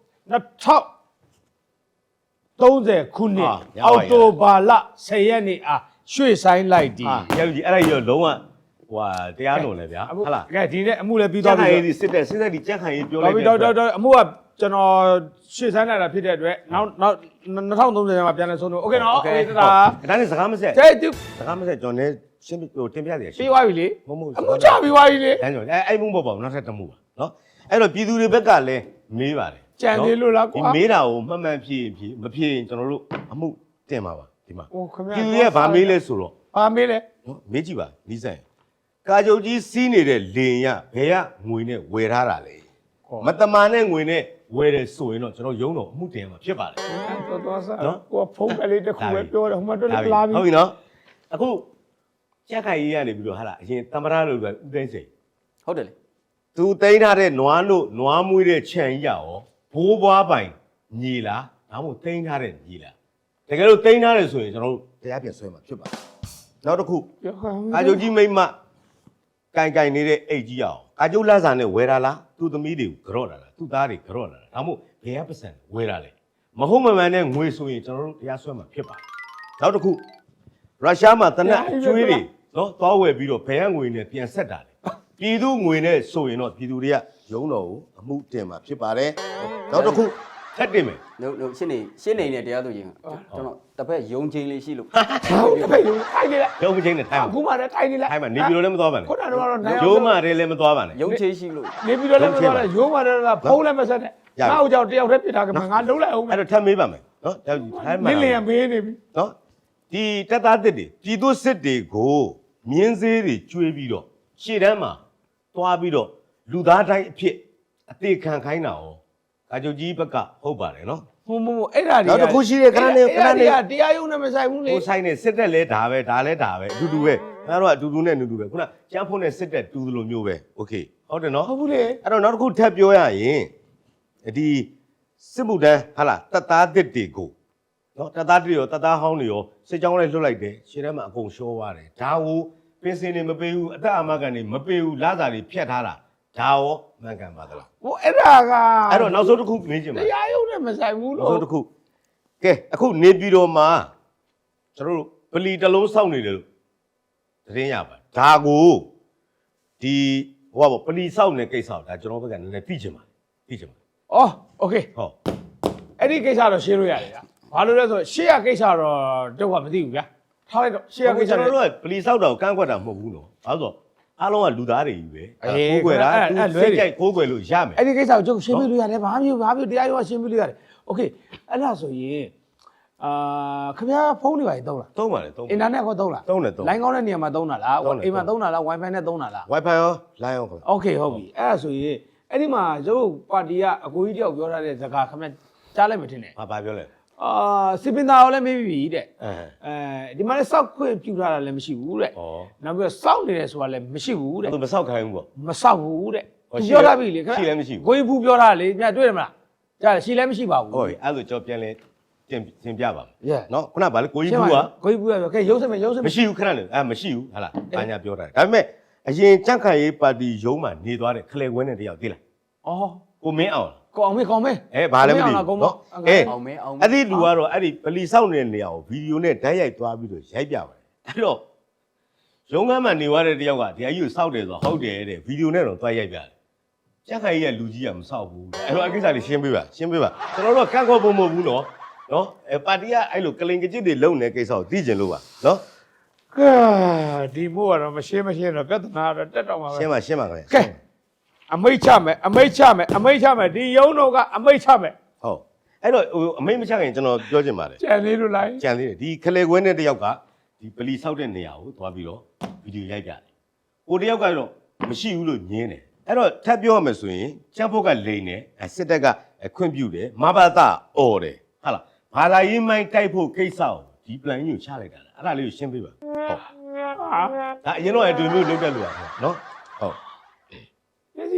[SPEAKER 2] 2030ခုနှစ်အောက်တိုဘာလ10ရက်နေ့အားရွှေ့ဆိုင်လိုက်ဒီ
[SPEAKER 1] ဟာတရားလူကြီးအဲ့ဒါကြီးတော့လုံးဝဟွာတရားလွန်လေဗျာဟုတ်လား
[SPEAKER 2] ကဲဒီနေ့အမှုလည်းပြီး
[SPEAKER 1] ကြ
[SPEAKER 2] သွား
[SPEAKER 1] က်ခိုင်
[SPEAKER 2] ပြီ
[SPEAKER 1] ရေးစစ်တဲ့စစ်တဲ့ဒီကြက်ခိုင်ရေးပြော
[SPEAKER 2] တော်
[SPEAKER 1] လိုက်
[SPEAKER 2] ပြီ
[SPEAKER 1] တဲ့
[SPEAKER 2] တော်တော်တော်အမှုကကျွန်တော်ရွှေ့ဆိုင်လိုက်တာဖြစ်တဲ့အတွက်နောက်နောက်2030မှာပြန်လဲဆုံးလို့ Okay နော် Okay ဒါ
[SPEAKER 1] ဒါနဲ့စကားမဆက်
[SPEAKER 2] တဲ့သူ
[SPEAKER 1] စကားမဆက်ကျွန်တော်လည်းရှင်းဟိုတင်ပြရရှိ
[SPEAKER 2] ပြီးသွားပြီလေ
[SPEAKER 1] မဟုတ်မဟုတ်
[SPEAKER 2] အမှုချပြီးသွားပြီလေ
[SPEAKER 1] တန်းကြောအဲအဲ့မှုမဟုတ်ပါဘူးနောက်ထပ်တစ်မှုပါနော်အဲ့တော့ပြည်သူတွေဘက်ကလည်းမေးပါတယ်
[SPEAKER 2] ကြံသေးလို့လားကွာ
[SPEAKER 1] ဒီမေးတာကိုမှတ်မှန်ဖြေဖြေမဖြေရင်ကျွန်တော်တို့အမှုတင်ပါပါဒီမှာ
[SPEAKER 2] ဟိုခင်ဗျာ
[SPEAKER 1] ပြည်သူတွေကဗာမေးလဲဆိုတော့
[SPEAKER 2] ဘာမေးလဲ
[SPEAKER 1] နော်မေးကြည့်ပါနီးဆိုင်ကာကြုတ်ကြီးစီးနေတဲ့လေရဘယ်ကငွေနဲ့ဝယ်ထားတာလဲမတမာနဲ့ငွေနဲ့ဝယ်တယ်ဆိုရင်တော့ကျွန်တော်ရုံးတော့အမှုတင်မှာဖြစ်ပါတယ်
[SPEAKER 2] တော်တော်စားကိုဖုန်းကလေးတစ်ခုပဲပြောတယ်ဟိုမှာတော့လာပြီ
[SPEAKER 1] ဟုတ်ပြီနော်အခုကြက်ခိုင်ကြီးကနေပြီးတော့ဟာလားအရင်တမရလို့ပဲဦးသိန်းစိန်
[SPEAKER 3] ဟုတ်တယ်လေ
[SPEAKER 1] သူသိမ်းထားတဲ့နွားလို့နွားမွေးတဲ့ခြံကြီးရောဘိုးဘွားပိုင်ညီလားဒါမှမဟုတ်သိမ်းထားတဲ့ညီလားတကယ်လို့သိမ်းထားတယ်ဆိုရင်ကျွန်တော်တို့တရားပြန်ဆွဲမှာဖြစ်ပါတယ်နောက်တစ်ခု
[SPEAKER 2] ပြောခါ
[SPEAKER 1] ကာကြုတ်ကြီးမိမ့်မကင်ကင်နေတဲ့အိတ်ကြီးရောကာကြုတ်လက်စာနဲ့ဝယ်တာလားသူ့သမီးတွေကိုကြော့တာလားသူ့သားတွေကြော့တာလားဒါမှမဟုတ်ဘယ်ကပတ်စံဝယ်တာလဲမဟုတ်မမှန်တဲ့ငွေဆိုရင်ကျွန်တော်တို့တရားဆွဲမှာဖြစ်ပါတယ်နောက်တစ်ခုရုရှားမှာတနက်အကျွေးတွေနော်သွားဝယ်ပြီးတော့ဘယ်ကငွေနဲ့ပြန်ဆက်တာလဲပြည်သူငွေနဲ့ဆိုရင်တော့ပြည်သူတွေကရုံးတော်ကိုအမှုတင်မှာဖြစ်ပါတယ်နောက်တစ်ခုထပ်တင်မယ်
[SPEAKER 3] လို့လို့ရှင်းနေရှင်းနေနဲ့တရားသူကြီးကျွန်တော်တစ်ဖက်ယုံချင်းလေးရှိလို့
[SPEAKER 2] ဟုတ်တယ်ပဲထိုင်နေလား
[SPEAKER 1] ရုံးမချင်းနဲ့ထိုင်
[SPEAKER 2] အခုမှလည်းထိုင်နေလား
[SPEAKER 1] ထိုင်မှာနေပြည်တော်လည်းမသွားပါနဲ့
[SPEAKER 2] ခုနကတော့နိုင်
[SPEAKER 1] ရုံးမတွေလည်းမသွားပါနဲ့
[SPEAKER 3] ယုံချင်းရှိလို့
[SPEAKER 2] နေပြီးတော့လည်းမသွားလဲရိုးမှလည်းဖုန်းလည်းမဆက်နဲ့ငါ့ကိုကြောက်တယောက်တည်းပြစ်ထားကမှငါလုံးလိုက်အောင်
[SPEAKER 1] အဲ့တော့ထပ်မေးပါမယ်နော်ထိုင်မှာ
[SPEAKER 2] နင်းလျင်မေးနေပြီ
[SPEAKER 1] နော်ဒီတက်သားတစ်တွေပြည်သူစစ်တွေကိုမြင်းစေးတွေကျွေးပြီးတော့ရှေ့တန်းမှာသွားပြီးတော့လူသားတိုင်းအဖြစ်အသေးခံခိုင်းတာရောကာချုပ်ကြီးဘက်ကဟုတ်ပါတယ်နော်
[SPEAKER 2] ဟိုမဟုတ်အဲ့ဒါတွေ
[SPEAKER 1] နောက်တစ်ခုရှိတယ်ခဏနေခဏနေ
[SPEAKER 2] တရားရုံးနဲ့မဆိုင်ဘူးလေ
[SPEAKER 1] ကိုဆိုင်နေစစ်တက်လဲဒါပဲဒါလဲဒါပဲအတူတူပဲအဲ့တော့အတူတူနဲ့အတူတူပဲခုနကျန်းဖုန်းနဲ့စစ်တက်တူသလိုမျိုးပဲโอเคဟုတ်တယ်နော်
[SPEAKER 2] ဟုတ်ဘူးလေ
[SPEAKER 1] အဲ့တော့နောက်တစ်ခုထပ်ပြောရရင်ဒီစစ်မှုတန်းဟာလားတက်သားတစ်တွေကိုနော်တက်သားတစ်တွေရောတက်သားဟောင်းတွေရောစစ်ကြောင်းလိုက်လွတ်လိုက်တယ်ရှေ့ထဲမှာအကုန်ရှောသွားတယ်ဒါကိုပင်စင်တွေမပေးဘူးအသက်အာမခံတွေမပေးဘူးလာစာတွေဖြတ်ထားတာဒါရောမှန်ကန်ပါသလား
[SPEAKER 2] ဟိုအဲ့ဒါက
[SPEAKER 1] အဲ့တော့နောက်ဆုံးတစ်ခုမေးချင်ပါ
[SPEAKER 2] တရားရုံးနဲ့မဆိုင်ဘူး
[SPEAKER 1] နောက်
[SPEAKER 2] လို့
[SPEAKER 1] ဆုံးတစ်ခုကဲအခုနေပြည်တော်မှာကျွန်တော်တို့ပလီတစ်လုံးစောင့်နေတယ်လို့သတင်းရပါတယ်ဒါကိုဒီဟိုကပလီစောင့်နေကိစ္စဒါကျွန်တော်ဘက်ကနည်းနည်းသိချင်ပါတယ်သိချင်ပါတယ်
[SPEAKER 2] အော်โอเค
[SPEAKER 1] ဟုတ်
[SPEAKER 2] အဲ့ဒီကိစ္စတော့ရှင်းလို့ရတယ်ဗျဘာလို့လဲဆိုရှေ့ရကိစ္စတော့တော့မသိဘူးဗျာထားလိုက်တော့ရှေ့ရကိစ္စ
[SPEAKER 1] ကျွန်တော်တို့ကပလီစောက်တာကိုကန့်ကွက်တာမဟုတ်ဘူးနော်ဘာလို့ဆိုအားလုံးကလူသားတွေကြီးပဲ
[SPEAKER 2] အေး
[SPEAKER 1] ကိုးကွယ်တာ
[SPEAKER 2] အဲ့
[SPEAKER 1] သူ
[SPEAKER 2] အဲ့လွဲ
[SPEAKER 1] စိတ်
[SPEAKER 2] တွေ
[SPEAKER 1] ကြိုက်ကိုးကွယ်လို့ရမယ်
[SPEAKER 2] အဲ့ဒီကိစ္စကိုကျုပ်ရှင်းပြလို့ရတယ်ဘာမျိုးဘာမျိုးတရားရုံးကရှင်းပြလို့ရတယ်โอเคအဲ့ဒါဆိုရင်အာခင်ဗျားဖုန်းတွေပါသုံးလား
[SPEAKER 1] သုံးပါလေသုံး
[SPEAKER 2] အင်တာနက်ကောသုံးလား
[SPEAKER 1] သုံးတယ်သုံး
[SPEAKER 2] လိုင်းကောင်းတဲ့နေရာမှာသုံးတာလား
[SPEAKER 1] သုံးတယ်
[SPEAKER 2] အိမ်မှာသုံးတာလား wifi နဲ့သုံးတာလား
[SPEAKER 1] wifi ရော line ရောခင်ဗျ
[SPEAKER 2] โอเคဟုတ်ပြီအဲ့ဒါဆိုရင်အဲ့ဒီမှာရုပ်ပါတီကအကိုကြီးတယောက်ပြောထားတဲ့ဇာတ်ခင်ဗျားကြားလိုက်မထင်နဲ့
[SPEAKER 1] ဘာဘာပြောလဲ
[SPEAKER 2] အာစစ်ပင်သားရောလည်းမေးပြီတဲ့
[SPEAKER 1] အဲ
[SPEAKER 2] အဲဒီမှာလည်းစောက်ခွင့်ပြုထားတာလည်းမရှိဘူးတဲ့
[SPEAKER 1] ဩ
[SPEAKER 2] နောက်ပြီးတော့စောက်နေတယ်ဆိုတာလည်းမရှိဘူးတဲ့
[SPEAKER 1] သူမဆောက်ခိုင်းဘူးပေါ့
[SPEAKER 2] မစောက်ဘူးတဲ့
[SPEAKER 1] ဟော
[SPEAKER 2] သူ
[SPEAKER 1] ရှိ
[SPEAKER 2] ပြောထားပြီလေ
[SPEAKER 1] ရှိလည်းမရှိဘူး
[SPEAKER 2] ကိုကြီးဘူးပြောထားလေညတွေ့တယ်မလားကြားတယ်ရှိလည်းမရှိပါဘူး
[SPEAKER 1] ဟုတ်ပြီအဲ့ဒါကြောပြန်လဲတင်တင်ပြပါမယ်
[SPEAKER 2] Yeah
[SPEAKER 1] နော်ခုနကဗာလေကိုကြီး
[SPEAKER 2] ရှင်း
[SPEAKER 1] ဘူး
[SPEAKER 2] ပါ
[SPEAKER 1] က
[SPEAKER 2] ကိုကြီးဘူးကပြောကဲရုပ်စမယ်ရုပ်စမယ်
[SPEAKER 1] မရှိဘူးခဏနေအဲမရှိဘူးဟာလားဘာညာပြောတာဒါပေမဲ့အရင်ကြန့်ခိုင်ရေးပါတီရုံးမှာနေသွားတဲ့ခလဲခွဲနဲ့တယောက်သိလား
[SPEAKER 2] အော်
[SPEAKER 1] ကိုမင်းအောင်
[SPEAKER 2] ကောင်းမေးကောင်းမေး
[SPEAKER 1] အဲဘာလဲမသိဘူး
[SPEAKER 2] ကောင်း
[SPEAKER 1] နော်
[SPEAKER 2] အဲ
[SPEAKER 1] အဲ
[SPEAKER 3] အောင်မဲအောင်မဲ
[SPEAKER 1] အဲ့ဒီလူကတော့အဲ့ဒီပလီဆောက်နေတဲ့နေရာကိုဗီဒီယိုနဲ့ဓာတ်ရိုက်သွားပြီးတော့ရိုက်ပြပါတယ်အဲ့တော့ရုံးခန်းမှာနေသွားတဲ့တယောက်ကဒီအကြီးကိုစောက်တယ်ဆိုတော့ဟုတ်တယ်တဲ့ဗီဒီယိုနဲ့တော့သွားရိုက်ပြတယ်ကြက်ခိုင်ကြီးကလူကြီးကမစောက်ဘူးအဲ့တော့အကိစ္စလေးရှင်းပေးပါရှင်းပေးပါကျွန်တော်တို့ကကန့်ကွက်ဖို့မဟုတ်ဘူးနော်နော်အဲပါတီကအဲ့လိုကလင်ကကြစ်တွေလုံနေကိစ္စကိုသိကျင်လို့ပါနော်
[SPEAKER 2] ကဲဒီမို့ကတော့မရှင်းမရှင်းတော့ပြဿနာတော့တက်တော့မှာပဲ
[SPEAKER 1] ရှင်းပါရှင်းပါခင်ဗျ
[SPEAKER 2] ကဲအမိတ်ချမယ်အမိတ်ချမယ်အမိတ်ချမယ်ဒီရုံးတော့ကအမိတ်ချမယ်
[SPEAKER 1] ဟုတ်အဲ့တော့ဟိုအမိတ်မချခင်ကျွန်တော်ပြောချင်ပါတယ်
[SPEAKER 2] ကြံလေးလို့လိုက်
[SPEAKER 1] ကြံသေးတယ်ဒီခလေခွဲနဲ့တယောက်ကဒီပလီဆောက်တဲ့နေရာကိုသွားပြီးတော့ဗီဒီယိုရိုက်ပြတယ်ကိုတယောက်ကတော့မရှိဘူးလို့ညင်းတယ်အဲ့တော့ထပ်ပြောရမယ်ဆိုရင်ချမ်းဖို့ကလိန်တယ်စစ်တပ်ကခွင့်ပြုတယ်မဘာသာအော်တယ်ဟာလားဘာသာရေးမိုင်းတိုက်ဖို့ကိစ္စကိုဒီ plan ကြီးကိုချလိုက်တာအဲ့ဒါလေးကိုရှင်းပေးပါဟုတ်ဒါအရင်တော့အတူမျိုးလုပ်တတ်လို့ပါနော်ဟုတ်
[SPEAKER 2] ဒီစီရ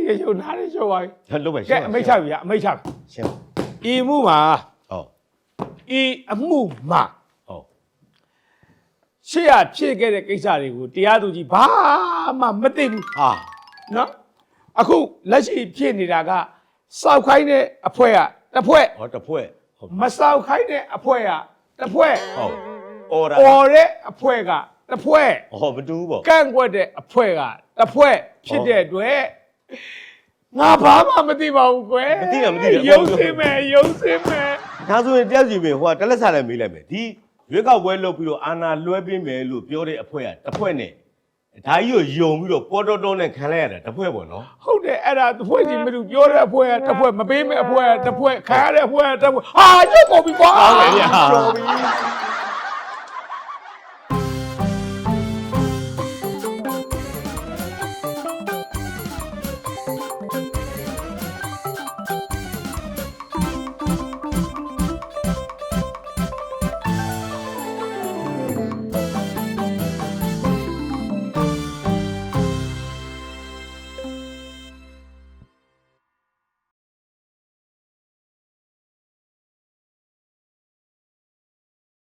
[SPEAKER 2] ရရှုံနားရရှုံပါပြီ
[SPEAKER 1] လုပ်ပဲ
[SPEAKER 2] ကဲအမိတ်ချပြီအမိတ်ချပြီ
[SPEAKER 1] ရှင်း
[SPEAKER 2] ဤမှုမှာ
[SPEAKER 1] ဟုတ်
[SPEAKER 2] ဤအမှုမှာ
[SPEAKER 1] ဟုတ်
[SPEAKER 2] ရှေ့ရဖြစ်ခဲ့တဲ့ကိစ္စတွေကိုတရားသူကြီးဘာမှမသိဘူး
[SPEAKER 1] ဟာ
[SPEAKER 2] နော်အခုလက်ရှိဖြစ်နေတာကစောက်ခိုင်းတဲ့အဖွဲကတစ်ဖွဲ့
[SPEAKER 1] ဟောတစ်ဖွဲ့ဟုတ်
[SPEAKER 2] မစောက်ခိုင်းတဲ့အဖွဲကတစ်ဖွဲ့
[SPEAKER 1] ဟုတ်အော်ဒါ
[SPEAKER 2] အော်တဲ့အဖွဲကတစ်ဖွဲ့
[SPEAKER 1] ဟောမတူဘူးပေါ့
[SPEAKER 2] ကန့်ကွက်တဲ့အဖွဲကတစ်ဖွဲ့ဖြစ်တဲ့အတွက်ငါဘာမှမသိပါဘူးကွယ်
[SPEAKER 1] မသိတာမသိတယ်
[SPEAKER 2] ရုံစင်းမယ်ရုံစင်းမယ်
[SPEAKER 1] ဒါဆိုရင်တယောက်စီပဲဟိုကတလက်စားလည်းမေးလိုက်မယ်ဒီရွေးကောက်ပွဲလုပ်ပြီးတော့အာဏာလွှဲပေးမယ်လို့ပြောတဲ့အဖွဲကတစ်ဖွဲ့နဲ့ဒါကြီးကိုယုံပြီးတော့ပေါ်တော်တော်နဲ့ခံလိုက်ရတာတစ်ဖွဲ့ပေါ့နော်
[SPEAKER 2] ဟုတ်တယ်အဲ့ဒါတစ်ဖွဲ့ချင်းမတူပြောတဲ့အဖွဲကတစ်ဖွဲ့မပေးမဲ့အဖွဲကတစ်ဖွဲ့ခါရတဲ့အဖွဲကတစ်ဖွဲ့ဟာရုပ်ကုန်ပြီကွာ
[SPEAKER 1] ဟုတ်တယ်ဗျာ
[SPEAKER 2] တော်ပြီ